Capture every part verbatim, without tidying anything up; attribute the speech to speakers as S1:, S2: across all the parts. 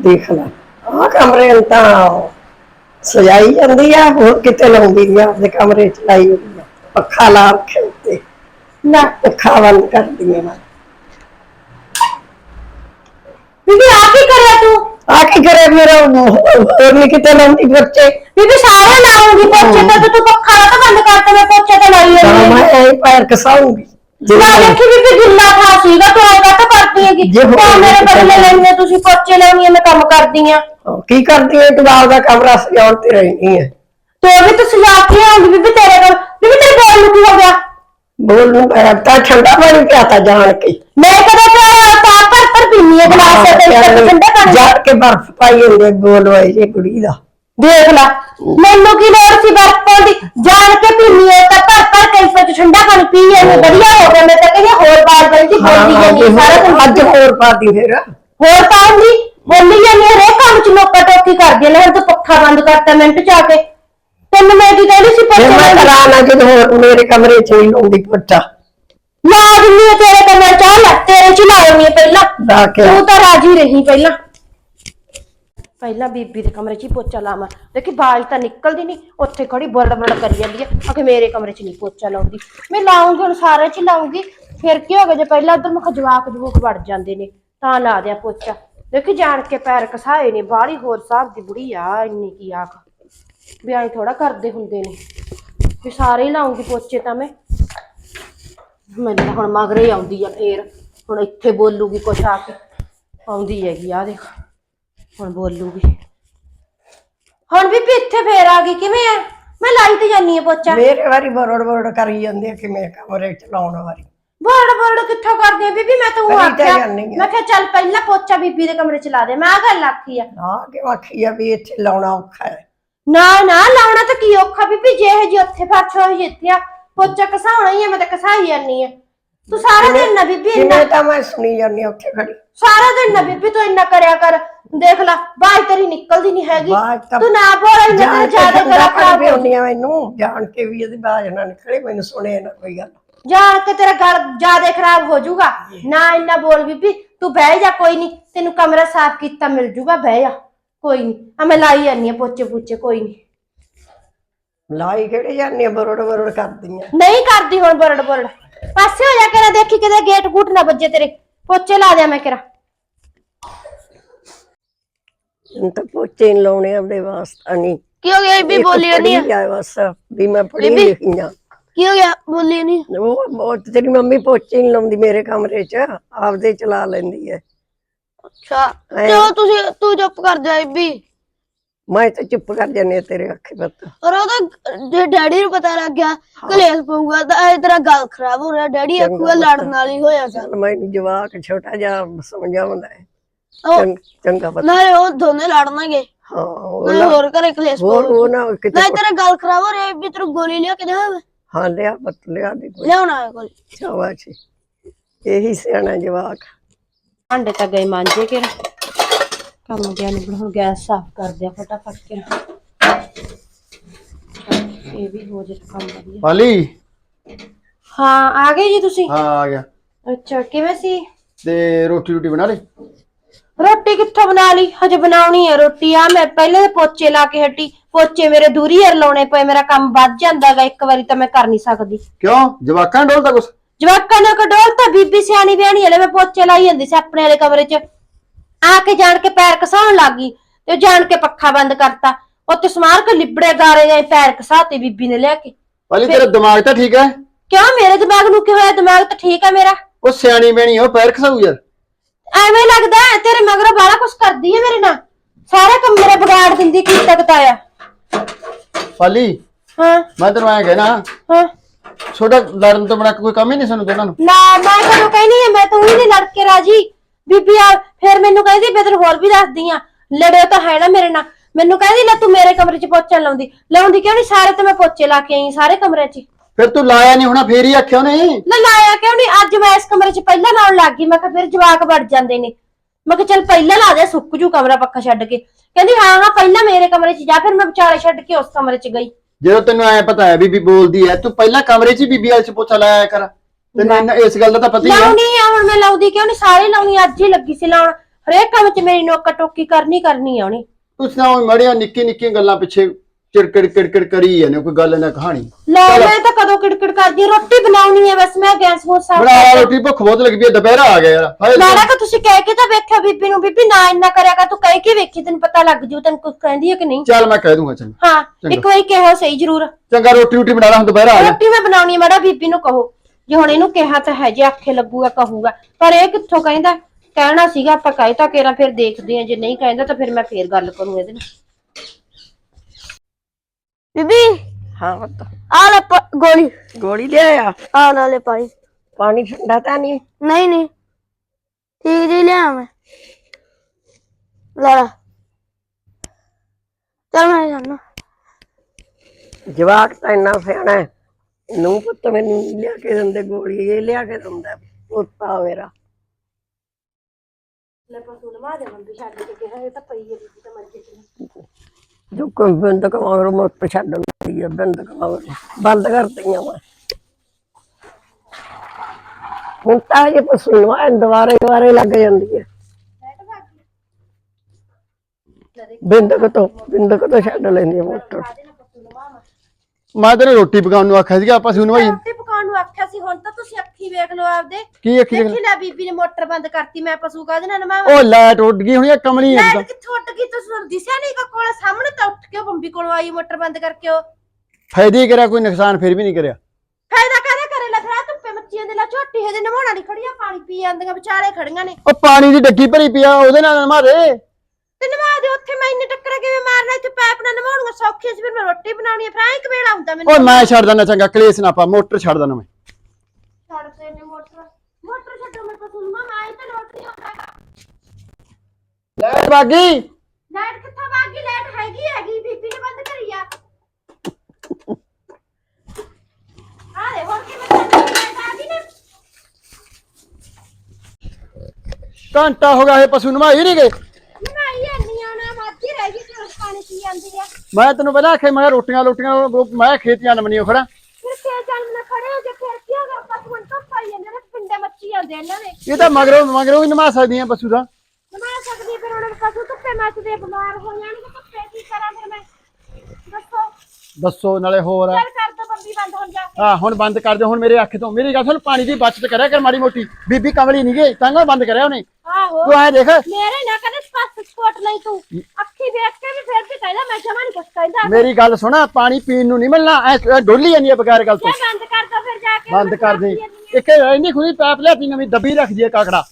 S1: देख ला आ कमरे में तो सजाई जाती है होर किते लाउंदी नहीं अपने कमरे च लाई हुई है पखा ला रखे उत्ते ना पखा बंद कर दिए मैं
S2: बीबी आ की करे तू
S1: आके करे मेरा होर नहीं किते लाउंदी बच्चे
S2: बीबी सारे लाऊंगी पोछे तो तू पखा तो बंद कर दे मैं पोछे तो लाई है
S1: मैं यही पैर कसाऊंगी
S2: ना देखी बीबी गिल्ला था सीगा तो ऐसा तो करती है कि तो मेरे बदले लेने तुसी पोछे लाउनी है मैं काम करदी हां
S1: की करती है तू आपदा कमरा सजाउंदी रहनी है
S2: तो अभी तो सजा के आऊंगी बीबी तेरे को बीबी तेरे बोल की हो गया
S1: बोल लूं मैं ठंडा पानी पियाता जान के
S2: मैं कदा तो पर पर पीनी है गिलास से ठंडा पानी
S1: जान के बर्फ पाई होंगे बोल वाई ये कुड़ी दा
S2: देख ला मैनू की लोड़ सी बर्फ पाउंदी जान के पीनी है ता पर पर कैसे ठंडा पानी पी है बढ़िया हो गया मैं तो कहीं होर बार बल्दी बोलदी है सारा दिन
S1: आज होर पाती फिर
S2: होर पाउंदी बोली जानी है रे काम च नोका टोकी कर दे ले तो पक्खा बंद करता मिनट च आके तेन मैं की कहली सी
S1: मैं
S2: पक्का
S1: कराना जो होर मेरे कमरे च ही लूंगी पोछा
S2: ला दिन्नी है तेरे कमरे च ला तेरे च लाऊंगी पहला तू तो राजी रही पहला ਪਹਿਲਾਂ ਬੀਬੀ ਦੇ ਕਮਰੇ 'ਚ ਹੀ ਪੋਚਾ ਲਾਵਾਂ ਦੇਖੀ ਬਾਜ ਤਾਂ ਨਿਕਲਦੀ ਨਹੀਂ ਉੱਥੇ ਖੜੀ ਬਰੜ ਬਰੜ ਕਰੀ ਜਾਂਦੀ ਹੈ ਆਖੇ ਮੇਰੇ ਕਮਰੇ 'ਚ ਨਹੀਂ ਪੋਚਾ ਲਾਉਂਦੀ ਮੈਂ ਲਾਉਂਗੀ ਹੁਣ ਸਾਰੇ 'ਚ ਲਾਉਂਗੀ ਫਿਰ ਕੀ ਹੋ ਗਿਆ ਜੇ ਪਹਿਲਾਂ ਉਧਰ ਮੈਂ ਜਵਾਕ ਜਵੂਕ ਵੜ ਜਾਂਦੇ ਨੇ ਤਾਂ ਲਾ ਦਿਆ ਪੋਚਾ ਦੇਖੀ ਜਾਣ ਕੇ ਪੈਰ ਕਸਾਏ ਨੇ ਬਾਹਲੀ ਹੋਰ ਸਾਹਿਬ ਦੀ ਬੁੜੀ ਆ ਇੰਨੀ ਕੀ ਆਖ ਵੀ ਐਂ ਥੋੜਾ ਕਰਦੇ ਹੁੰਦੇ ਨੇ ਵੀ ਸਾਰੇ ਹੀ ਲਾਉਂਗੀ ਪੋਚੇ ਤਾਂ ਮੈਂ ਮੈਨੂੰ ਹੁਣ ਮਗਰੇ ਆਉਂਦੀ ਆ ਫੇਰ ਹੁਣ ਇੱਥੇ ਬੋਲੂਗੀ ਕੁਛ ਆ ਕੇ ਆਉਂਦੀ ਹੈਗੀ ਆ ਦੇਖ ਹੁਣ ਬੋਲੂਗੀ ਹੁਣ ਵੀ ਇੱਥੇ ਫੇਰ ਆ ਗਈ ਕਿਵੇਂ ਆ ਮੈਂ ਲਾਈ ਤੇ ਜਾਨੀ ਆ ਪੋਚਾ
S1: ਮੇਰੇ ਵਾਰੀ ਬਰੜ ਬਰੜ ਕਰੀ ਜਾਂਦੀ ਹੈ ਕਿ ਮੈਂ ਕਮਰੇ ਚ ਲਾਉਣ ਵਾਰੀ
S2: ਬਰੜ ਬਰੜ ਕਿੱਥੋਂ ਕਰਦੀ ਆ ਬੀਬੀ ਮੈਂ ਤਾਂ ਉਹ ਆਖਿਆ ਮੈਂ ਕਿਹਾ ਚੱਲ ਪਹਿਲਾਂ ਪੋਚਾ ਬੀਬੀ ਦੇ ਕਮਰੇ ਚ ਲਾ ਦੇ ਮੈਂ ਆ ਗੱਲ ਆਖੀ ਆ
S1: ਆ ਕਿ ਆਖੀ ਆ ਵੀ ਇੱਥੇ ਲਾਉਣਾ ਔਖਾ ਹੈ
S2: ਨਾ ਨਾ ਲਾਉਣਾ ਤਾਂ ਕੀ ਔਖਾ ਬੀਬੀ ਜੇ ਇਹ ਜੀ ਉੱਥੇ ਫਰਸ਼ ਹੋਈ ਜਿੱਥੇ ਆ ਪੋਚਾ ਕਸਾਉਣਾ ਹੀ ਆ ਮੈਂ ਤਾਂ ਕਸਾਈ ਜਾਨੀ ਆ ਤੂੰ ਸਾਰਾ ਦਿਨ ਨਾ ਬੀਬੀ
S1: ਇੰਨਾ ਤਾਂ ਮੈਂ ਸੁਣੀ ਜਾਂਦੀ ਉੱਥੇ ਖੜੀ
S2: ਸਾਰਾ ਦਿਨ ਨਾ ਬੀਬੀ ਤੂੰ ਇੰਨਾ ਕਰਿਆ ਕਰ ਦੇਖ ਲੈ ਬਾਜ ਤੇਰੀ ਨਿਕਲਦੀ ਨਹੀਂ ਹੈਗੀ ਤੂੰ ਨਾ ਬੋਲ ਇੰਨਾ ਤੇ ਜ਼ਿਆਦਾ ਕਰਾ ਖਰਾਬ
S1: ਹੁੰਦੀ ਆ ਮੈਨੂੰ ਜਾਣ ਕੇ ਵੀ ਇਹਦੀ ਬਾਜ ਨਾ ਨਿਕਲੇ ਮੈਨੂੰ ਸੁਣੇ ਨਾ ਕੋਈ ਗੱਲ
S2: ਜਾਣ ਕੇ ਤੇਰਾ ਗਲ ਜ਼ਿਆਦਾ ਖਰਾਬ ਹੋ ਜਾਊਗਾ ਨਾ ਇੰਨਾ ਬੋਲ ਬੀਬੀ ਤੂੰ ਬਹਿ ਜਾ ਕੋਈ ਨਹੀਂ ਤੈਨੂੰ ਕਮਰਾ ਸਾਫ਼ ਕੀਤਾ ਮਿਲ ਜਾਊਗਾ ਬਹਿ ਜਾ ਕੋਈ ਨਹੀਂ ਆ ਮੈਂ ਲਾਈ ਜਾਨੀ ਆ ਪੋਚੇ ਪੂਚੇ ਕੋਈ ਨਹੀਂ
S1: ਲਾਈ ਕਿਹੜੇ ਜਾਂਦੀ ਆ ਬਰੜ ਬਰੜ ਕਰਦੀ ਆ
S2: ਨਹੀਂ ਕਰਦੀ ਹੁਣ ਬਰੜ ਬਰੜ ਪਾਸੇ ਹੋ ਜਾ ਕੇ ਨਾ ਦੇਖੀ ਕਿਤੇ ਗੇਟ ਗੂਟ ਨਾ ਵੱਜੇ ਤੇਰੇ ਪੋਚੇ ਲਾ ਦਿਆਂ ਮੈਂ ਕਿਰਾ
S1: ਤਾਂ ਪੋਚੇ ਨੀ ਲਾਉਣੇ ਆਪਣੇ ਵਾਸਤੇ ਨਹੀਂ
S3: ਕੀ ਹੋ ਗਿਆ ਬੀਬੀ ਬੋਲੀ ਨਹੀਂ
S1: ਆ ਬਸ ਵੀ ਮੈਂ ਪੜੀ ਲਿਖੀ ਆ
S3: ਕੀ ਹੋ ਗਿਆ ਬੋਲੀ ਨਹੀਂ
S1: ਉਹ ਬਹੁਤ ਤੇਰੀ ਮੰਮੀ ਪੋਚੇ ਨੀ ਲਾਉਂਦੀ ਮੇਰੇ ਕਮਰੇ 'ਚ ਆਪਦੇ ਚਲਾ ਲੈਂਦੀ ਹੈ
S3: ਅੱਛਾ ਚਲੋ ਤੁਸੀਂ ਤੂੰ ਚੁੱਪ ਕਰ ਜਾ ਬੀਬੀ
S1: ਮੈਂ ਤਾਂ ਚੁੱਪ ਕਰ ਜਾਨੀ ਤੇਰੇ ਅੱਖੇ ਪੱਤ
S3: ਪਰ ਉਹਦਾ ਜੇ ਡੈਡੀ ਨੂੰ ਪਤਾ ਲੱਗ ਗਿਆ ਕਲੇਸ਼ ਪਊਗਾ ਤਾਂ ਇਹ ਤੇਰਾ ਗੱਲ ਖਰਾਬ ਹੋ ਰਿਹਾ ਡੈਡੀ ਆਖੂਗਾ ਲੜਨ ਵਾਲੀ ਹੋਇਆ ਚੱਲ
S1: ਮੈਨੂੰ ਜਵਾਕ ਛੋਟਾ ਜਿਹਾ ਸਮਝਾਉਂਦਾ ਹੈ ਚੰਗਾ ਪਤਾ
S3: ਨਾਲੇ ਉਹ ਦੋਨੇ ਲੜਨਗੇ
S1: ਹਾਂ
S3: ਨਾਲੇ ਹੋਰ ਘਰੇ ਕਲੇਸ਼
S1: ਹੋਰ ਉਹ ਨਾ ਕਿਤੇ
S3: ਨਹੀਂ ਤੇਰਾ ਗੱਲ ਖਰਾਬ ਹੋ ਰਿਹਾ ਵੀ ਤੈਨੂੰ ਗੋਲੀ ਲਿਆ ਕੇ ਦੇਵਾਂ
S1: ਹਾਂ ਲਿਆ ਪਤ ਲਿਆ ਦੇ
S3: ਲਿਆਉਣਾ ਹੈ ਗੋਲੀ
S1: ਸ਼ਾਬਾਸ਼ ਇਹੀ ਸਿਆਣਾ ਜਵਾਕ
S2: ਭਾਂਡੇ ਤਾਂ ਗਏ ਮਾਂਜੇ ਕੇ ਕੰਮ ਗਿਆ ਨਹੀਂ ਹੁਣ ਗੈਸ ਸਾਫ਼ ਕਰ ਦਿਆ ਫਟਾਫਟ ਕੇ ਇਹ ਵੀ ਹੋ ਜੇ ਕੰਮ ਵਧੀਆ
S4: ਪਾਲੀ
S2: ਹਾਂ ਆ ਗਏ ਜੀ ਤੁਸੀਂ
S4: ਹਾਂ ਆ ਗਿਆ
S2: ਅੱਛਾ ਕਿਵੇਂ ਸੀ
S4: ਤੇ ਰੋਟੀ ਰੋਟੀ ਬਣਾ ਲਈ
S2: ਰੋਟੀ ਕਿੱਥੋਂ ਬਣਾ ਲਈ ਹਜੇ ਬਣਾਉਣੀ ਹੈ ਰੋਟੀ ਆ ਮੈਂ ਪਹਿਲੇ ਪੋਚੇ ਲਾ ਕੇ ਹਟੀ ਪੋਚੇ ਮੇਰੇ ਦੂਰੀ ਯਾਰ ਲਾਉਣੇ ਪਏ ਮੇਰਾ ਕੰਮ ਵੱਧ ਜਾਂਦਾਗਾ ਇੱਕ ਵਾਰੀ ਤਾਂ ਮੈਂ ਕਰ ਨਹੀਂ ਸਕਦੀ
S4: ਕਿਉਂ ਜਵਾਕਾਂ ਡੋਲਦਾ ਕੁਛ
S2: ਜਵਾਕਾਂ ਨੇ ਕਡੋਲ ਤਾਂ ਬੀਬੀ ਸਿਆਣੀ ਬਿਆਣੀ ਵਾਲੇ ਮੈਂ ਪੋਚੇ ਲਾਈ ਜਾਂਦੀ ਸੀ ਆਪਣੇ ਵਾਲੇ ਕਮਰੇ 'ਚ ਆ ਕੇ ਜਾਣ ਕੇ ਪੈਰ ਕਸਾਉਣ ਲੱਗ ਗਈ ਤੇ ਜਾਣ ਕੇ ਪੱਖਾ ਬੰਦ ਕਰਤਾ ਉੱਤੇ ਸਮਾਰ ਕੇ ਲਿਬੜੇ ਗਾਰੇ ਗਏ ਪੈਰ ਕਸਾਤੇ ਬੀਬੀ ਨੇ ਲਿਆ ਕੇ
S4: ਪਾਲੀ ਤੇਰਾ ਦਿਮਾਗ ਤਾਂ ਠੀਕ ਹੈ
S2: ਕਿਉਂ ਮੇਰੇ ਦਿਮਾਗ ਨੂੰ ਕੀ ਹੋਇਆ ਦਿਮਾਗ ਤਾਂ ਠੀਕ ਹੈ ਮੇਰਾ
S4: ਉਹ ਸਿਆਣੀ ਬਣੀ ਉਹ ਪੈਰ ਖਸਾਊ ਯਾਰ
S2: ਐਵੇਂ ਲੱਗਦਾ ਤੇਰੇ ਮਗਰੋਂ ਬਾਲਾ ਕੁਛ ਕਰਦੀ ਹੈ ਮੇਰੇ ਨਾਲ ਸਾਰਾ ਕੰਮ ਮੇਰਾ ਵਿਗਾੜ ਦਿੰਦੀ ਕੀ ਤਕਤਾਇਆ
S4: ਪਾਲੀ
S2: ਹਾਂ
S4: ਮੈਂ ਤੈਨੂੰ ਐਂ ਕਹਿਣਾ
S2: ਹਾਂ
S4: ਛੋਟਾ ਲੜਨ ਤੋਂ ਬਣਾ ਕੋਈ ਕੰਮ ਹੀ ਨਹੀਂ ਸਾਨੂੰ ਦੋਨਾਂ ਨੂੰ
S2: ਨਾ ਮੈਂ ਤੈਨੂੰ ਕਹਿਨੀ ਹੈ ਮੈਂ ਤੂੰ ਹੀ ਨਹੀਂ ਲੜ ਕੇ ਰਾਜੀ ਬੀਬੀ ਆ ਫਿਰ ਮੈਨੂੰ ਕਹਿੰਦੀ ਮੈਂ ਤੈਨੂੰ ਹੋਰ ਵੀ ਦੱਸਦੀ ਆ ਲੜਿਓ ਤਾਂ ਹੈ ਨਾ ਮੇਰੇ ਨਾਲ ਮੈਨੂੰ ਕਹਿੰਦੀ ਲੈ ਤੂੰ ਮੇਰੇ ਕਮਰੇ 'ਚ ਪੋਚਾ ਲਾਉਂਦੀ ਲਾਉਂਦੀ ਕਿਉਂ ਨਹੀਂ ਸਾਰੇ ਤੇ ਮੈਂ ਪੋਚੇ ਲਾ ਕੇ ਆਈ ਸਾਰੇ ਕਮਰੇ 'ਚ
S4: ਫਿਰ ਤੂੰ ਲਾਇਆ ਨਹੀਂ ਹੋਣਾ ਫੇਰ ਹੀ ਆਖਿਆ ਉਹਨੇ
S2: ਨਾ ਲਾਇਆ ਕਿਉਂ ਨਹੀਂ ਅੱਜ ਮੈਂ ਇਸ ਕਮਰੇ 'ਚ ਪਹਿਲਾਂ ਲਾਉਣ ਲੱਗ ਗਈ ਮੈਂ ਕਿਹਾ ਫਿਰ ਜਵਾਕ ਵੜ ਜਾਂਦੇ ਨੇ ਮੈਂ ਕਿਹਾ ਚੱਲ ਪਹਿਲਾਂ ਲਾ ਦੇ ਸੁੱਕ ਜੂ ਕਮਰਾ ਪੱਖਾ ਛੱਡ ਕੇ ਕਹਿੰਦੀ ਹਾਂ ਹਾਂ ਪਹਿਲਾਂ ਮੇਰੇ ਕਮਰੇ 'ਚ ਜਾ ਫਿਰ ਮੈਂ ਵਿਚਾਲੇ ਛੱਡ ਕੇ ਉਸ ਕਮਰੇ 'ਚ ਗਈ
S4: ਜਦੋਂ ਤੈਨੂੰ ਐ ਪਤਾ ਹੈ ਬੀਬੀ ਬੋਲਦੀ ਹੈ ਤੂੰ ਪਹਿਲਾਂ ਕਮਰੇ 'ਚ ਹੀ ਬੀਬੀ ਵਾਲੇ 'ਚ ਪੋਚਾ ਲਾਇਆ ਕਰ ਤੈਨੂੰ ਇਸ ਗੱਲ ਦਾ ਤਾਂ ਪਤਾ ਹੀ ਹੈ
S2: ਲਾਉਣੀ ਆ ਹੁਣ ਮੈਂ ਲਾਉਂਦੀ ਕਿਉਂ ਨਹੀਂ ਸਾਰੇ ਲਾਉਣੀ ਅੱਜ ਹੀ ਲੱਗੀ ਸੀ ਲਾਉਣ ਹਰੇਕ ਕੰਮ 'ਚ ਮੇਰੀ ਨੋਕਾ ਟੋਕੀ ਕਰਨੀ ਕਰਨੀ ਆ ਉਹਨੇ।
S4: ਤੁਸੀਂ ਨਾ ਮੜਿਆ ਨਿੱਕੀ ਨਿੱਕੀ ਗੱਲਾਂ ਪਿੱਛੇ ਚਿੜਕੜ ਕਿੜਕੜ ਕਰੀ ਜਾਂਦੇ ਕੋਈ ਗੱਲ ਨਾ ਕਹਾਣੀ।
S2: ਲੈ ਮੈਂ ਤਾਂ ਕਦੋਂ ਕਿੜਕਿੜ ਕਰਦੀ ਆ, ਰੋਟੀ ਬਣਾਉਣੀ ਹੈ ਬਸ, ਮੈਂ ਗੈਸ ਗੂਸ ਸਾਫ਼
S4: ਬਣਾ
S2: ਕਰ
S4: ਰੋਟੀ, ਭੁੱਖ ਬਹੁਤ ਲੱਗੀ ਪਈ, ਦੁਪਹਿਰਾ ਆ ਗਿਆ ਯਾਰ। ਹਾਏ
S2: ਮੈਂ ਨਾ ਕਿ ਤੁਸੀਂ ਕਹਿ ਕੇ ਤਾਂ ਵੇਖਿਆ ਬੀਬੀ ਨੂੰ, ਬੀਬੀ ਨਾ ਇੰਨਾ ਕਰਿਆ ਕਰ, ਤੂੰ ਕਹਿ ਕੇ ਵੇਖੀ, ਤੈਨੂੰ ਪਤਾ ਲੱਗ ਜੂ ਤੈਨੂੰ ਕੁਝ ਕਹਿੰਦੀ ਹੈ ਕਿ ਨਹੀਂ।
S4: ਚੱਲ ਮੈਂ ਕਹਿ ਦੂੰਗਾ। ਚੰਗਾ
S2: ਹਾਂ ਇੱਕ ਵਾਰੀ ਕਿਹਾ ਸਹੀ ਜ਼ਰੂਰ।
S4: ਚੰਗਾ ਰੋਟੀ ਰੋਟੀ ਬਣਾ ਲਾ, ਹੁਣ ਦੁਪਹਿਰਾ ਆ ਗਿਆ।
S2: ਰੋਟੀ ਮੈਂ ਬਣਾਉਣੀ ਮਾੜਾ, ਬੀਬੀ ਨੂੰ ਕਹੋ ਜੇ ਹੁਣ ਇਹਨੂੰ ਕਿਹਾ ਤਾਂ ਹੈ, ਜੇ ਆਖੇ ਲੱਗੂਗਾ ਕਹੂਗਾ, ਪਰ ਇਹ ਕਿੱਥੋਂ ਕਹਿੰਦਾ। ਕਹਿਣਾ ਸੀਗਾ ਆਪਾਂ ਕਹਿ ਤਾਂ ਕੇਰਾ, ਫਿਰ ਦੇਖਦੇ ਆ, ਜੇ ਨਹੀਂ ਕਹਿੰਦਾ ਤਾਂ ਫਿਰ ਮੈਂ ਫੇਰ ਗੱਲ ਕਰੂੰ ਇਹਦੇ ਨਾਲ।
S3: ਬੀਬੀ
S1: ਹਾਂ ਪੁੱਤ,
S3: ਆ ਲੈ ਪ- ਗੋਲੀ
S1: ਗੋਲੀ ਲਿਆਇਆ।
S3: ਆ ਨਾਲੇ ਪਾਣੀ।
S1: ਪਾਣੀ ਠੰਡਾ ਤਾਂ ਨਹੀਂ?
S3: ਨਹੀਂ ਨਹੀਂ ਠੀਕ ਜੀ ਲਿਆ ਮੈਂ। ਲੈ ਲਾ ਚੱਲ ਮੈਂ ਜਾਣਾ।
S1: ਜਵਾਕ ਤਾਂ ਇੰਨਾ ਸਿਆਣਾ ਹੈ, ਨੂੰ ਪੁੱਤ ਮੈਨੂੰ ਨੀ ਲਿਆ ਕੇ ਦਿੰਦੇ ਗੋਲੀ, ਇਹ ਲਿਆ ਕੇ ਦਿੰਦਾ ਪੁੱਤਾ ਮੇਰਾ।
S2: ਲੈ ਪਸੂ ਨਵਾ ਦੇ ਬੰਦ ਛੱਡ ਕੇ ਕਿਹਾ, ਇਹ ਤਾਂ ਪਈ ਹੈ ਬੀਬੀ ਤਾਂ ਮਰ ਗਈ।
S1: ਜੋ ਕੋਈ ਬੰਦ ਕਮਾਉਰ ਮੋਟ ਛੱਡਣ ਦੀ ਹੈ, ਬੰਦ ਕਮਾਉਰ ਬੰਦ ਕਰਤੀਆਂ ਮੈਂ ਹੁਣ ਤਾਂ ਇਹ ਪਸ਼ੂ ਨਵਾ ਦੁਬਾਰੇ ਦੁਬਾਰੇ ਲੱਗ ਜਾਂਦੀ ਹੈ। ਬਿੰਦਕ ਤੋਂ ਬਿੰਦਕ ਤੋਂ ਛੱਡ ਲੈਂਦੀ ਹੈ ਮੋਟਰ।
S4: ਮੈਂ ਤੈਨੂੰ ਰੋਟੀ ਪਕਾਉਣ ਨੂੰ ਆਖਿਆ ਸੀਗਾ, ਆਪਾਂ ਸੁਣ ਭਾਈ
S2: ਰੋਟੀ ਪਕਾਉਣ ਨੂੰ ਆਖਿਆ ਸੀ, ਹੁਣ ਤਾਂ ਤੁਸੀਂ ਅੱਖੀ ਵੇਖ ਲਓ ਆਪਦੇ।
S4: ਕੀ ਆਖੀ
S2: ਦੇਖੀ ਲੈ ਬੀਬੀ ਨੇ ਮੋਟਰ ਬੰਦ ਕਰਤੀ, ਮੈਂ ਪਸ਼ੂ ਕਾਹਦੇ ਨਾਲ ਨਵਾਵਾਂ।
S4: ਉਹ ਲਾਈਟ ਉੱਡ ਗਈ ਹੋਣੀ ਆ, ਕਮਲੀ ਹੈ
S2: ਲਾਈਟ ਕਿੱਥੋਂ ਉੱਡ ਗਈ, ਤੁਸੀਂ ਦਿਸਿਆ ਨਹੀਂ ਕਾ ਕੋਲ ਸਾਹਮਣੇ ਤਾਂ ਉੱਠ ਕੇ ਉਹ ਬੰਬੀ ਕੋਲੋਂ ਆਈ ਮੋਟਰ ਬੰਦ ਕਰਕੇ। ਉਹ
S4: ਫਾਇਦੇ ਹੀ ਕਰਿਆ, ਕੋਈ ਨੁਕਸਾਨ ਫਿਰ ਵੀ ਨਹੀਂ ਕਰਿਆ।
S2: ਫਾਇਦਾ ਕਾਹਦਾ ਕਰੇ, ਲਖਰਾ ਧੁੱਪੇ ਮੱਚੀਆਂ ਦੇ ਲਾ, ਝੋਟੀ ਹਜੇ ਨਵਾਉਣਾ ਨਹੀਂ, ਖੜੀਆਂ ਪਾਣੀ ਪੀ ਜਾਂਦੀਆਂ ਵਿਚਾਰੇ ਖੜੀਆਂ ਨੇ।
S4: ਉਹ ਪਾਣੀ ਦੀ ਡੱਗੀ ਭਰੀ ਪਿਆ, ਉਹਦੇ ਨਾਲ ਮਾਰੇ
S2: ਤੇ ਨਵਾ ਦੇ ਉੱਥੇ, ਮੈਂ ਇੰਨੇ ਟੱਕਰਾਂ ਕਿਵੇਂ ਮਾਰਨਾ, ਇੱਥੇ ਪੈਪ ਨਾਲ ਨਵਾਉਣੀਆਂ ਸੌਖੀਆਂ ਸੀ, ਫਿਰ ਮੈਂ ਰੋਟੀ ਬਣਾਉਣੀ ਹੈ, ਫਿਰ ਐਂ ਕਿ ਵੇਲਾ ਹੁੰਦਾ ਮੈਨੂੰ।
S4: ਉਹ ਮੈਂ ਛੱਡ ਦਿੰਦਾ, ਚੰਗਾ ਕਲੇਸ਼ ਨਾ ਪਾ, ਮੋਟਰ ਛੱਡ ਦਿੰਦਾ ਮੈਂ।
S2: ਛੱਡ ਤੇ ਨੇ ਮੋਟਰ, ਮੋਟਰ ਛੱਡੋ ਮੈਂ ਪਸ਼ੂ ਨੂੰ, ਮੈਂ ਤਾਂ ਲੋਟ ਨਹੀਂ ਆਉਂਦਾ।
S4: ਲਾਈਟ ਬਾਗੀ
S2: ਲਾਈਟ ਕਿੱਥੋਂ ਭੱਗ ਗਈ, ਲਾਈਟ ਹੈਗੀ ਹੈਗੀ, ਬੀਬੀ ਨੇ ਬੰਦ ਕਰੀ ਆ। ਆ ਦੇ ਹੋਰ ਕਿਵੇਂ ਚੱਲਦੀ ਲਾਈਟ ਆ ਗਈ ਨਾ।
S4: ਘੰਟਾ ਹੋ ਗਿਆ ਇਹ ਪਸ਼ੂ ਨਵਾਈ ਨਹੀਂ ਗਏ।
S2: ਨਹਾਈ ਐਨੀ ਆਣਾ ਮੱਝ ਰਹਿ ਗਈ, ਤੇ ਪਾਣੀ ਪੀ ਜਾਂਦੀ ਆ।
S4: ਮੈਂ ਤੈਨੂੰ ਪਹਿਲਾਂ ਆਖਿਆ ਮੈਂ ਰੋਟੀਆਂ ਰੋਟੀਆਂ ਮੈਂ ਖੇਤੀਆਂ ਨਮਣੀਆਂ ਖੜਾ।
S2: ਫਿਰ ਕੇ ਚੱਲ ਨਾ ਖੜੇ ਹੋ ਜੇ, ਫਿਰ ਕੀ ਹੋਗਾ, ਪਸ਼ੂ ਨੂੰ ਧੁੱਪ ਆਈ ਜਾਂਦੇ ਨੇ, ਪਿੰਡੇ ਮੱਚੀ ਜਾਂਦੇ ਇਹਨਾਂ ਦੇ।
S4: ਇਹ ਤਾਂ ਮਗਰੋਂ ਮਗਰੋਂ ਵੀ ਨਮਾ ਸਕਦੀਆਂ ਪਸ਼ੂ ਦਾ।
S2: ਨਵਾ ਸਕਦੀ, ਫਿਰ ਉਹਨਾਂ ਨੂੰ ਪਸ਼ੂ ਧੁੱਪੇ ਮੱਚਦੇ ਬਿਮਾਰ ਹੋ ਜਾਣਗੇ, ਧੁੱਪੇ ਕੀ ਕਰਾਂ ਫਿਰ ਮੈਂ, ਦੱਸੋ।
S4: ਦੱਸੋ ਨਾਲੇ ਹੋਰ
S2: ਚੱਲ ਕਰ ਦੋ ਬੰਬੀ ਬੰਦ, ਹੁਣ ਜਾ ਕੇ।
S4: ਹਾਂ ਹੁਣ ਬੰਦ ਕਰ ਦੇ ਹੁਣ ਮੇਰੇ ਅੱਖ ਤੋਂ। ਮੇਰੀ ਗੱਲ ਸੁਣ, ਪਾਣੀ ਦੀ ਬਚਤ ਕਰਿਆ ਕਰ ਮਾੜੀ ਮੋਟੀ। ਬੀਬੀ ਕਮਲੀ ਨਹੀਂ ਗਈ ਤਾਂ ਬੰਦ ਕਰਿਆ ਉਹਨੇ।
S2: ਆਹੋ
S4: ਤੂੰ ਐ ਦੇਖ
S2: ਮੇਰੇ ਨਾ ਕਦੇ ਸਪਾਸ ਸਪੋਟ ਨਹੀਂ, ਤੂੰ ਅੱਖੀ ਵੇਖ ਕੇ ਵੀ ਫਿਰ ਵੀ ਕਹਿੰਦਾ ਮੈਂ ਜਮਾ ਨਹੀਂ ਕੁਛ ਕਹਿੰਦਾ।
S4: ਮੇਰੀ ਗੱਲ ਸੁਣ, ਪਾਣੀ ਪੀਣ ਨੂੰ ਨਹੀਂ ਮਿਲਣਾ, ਐ ਡੋਲੀ ਜਾਂਦੀ ਹੈ ਬਗੈਰ ਗੱਲ ਤੋਂ।
S2: ਜੇ ਬੰਦ ਕਰ ਦੋ ਫਿਰ ਜਾ ਕੇ,
S4: ਬੰਦ ਕਰ ਦੇ। ਇੱਕ ਇੰਨੀ ਖੁਦੀ ਪੈਪ ਲਿਆਤੀ ਨਵੀਂ, ਦੱਬੀ ਰੱਖ ਦਈਏ ਕਾਕੜਾ।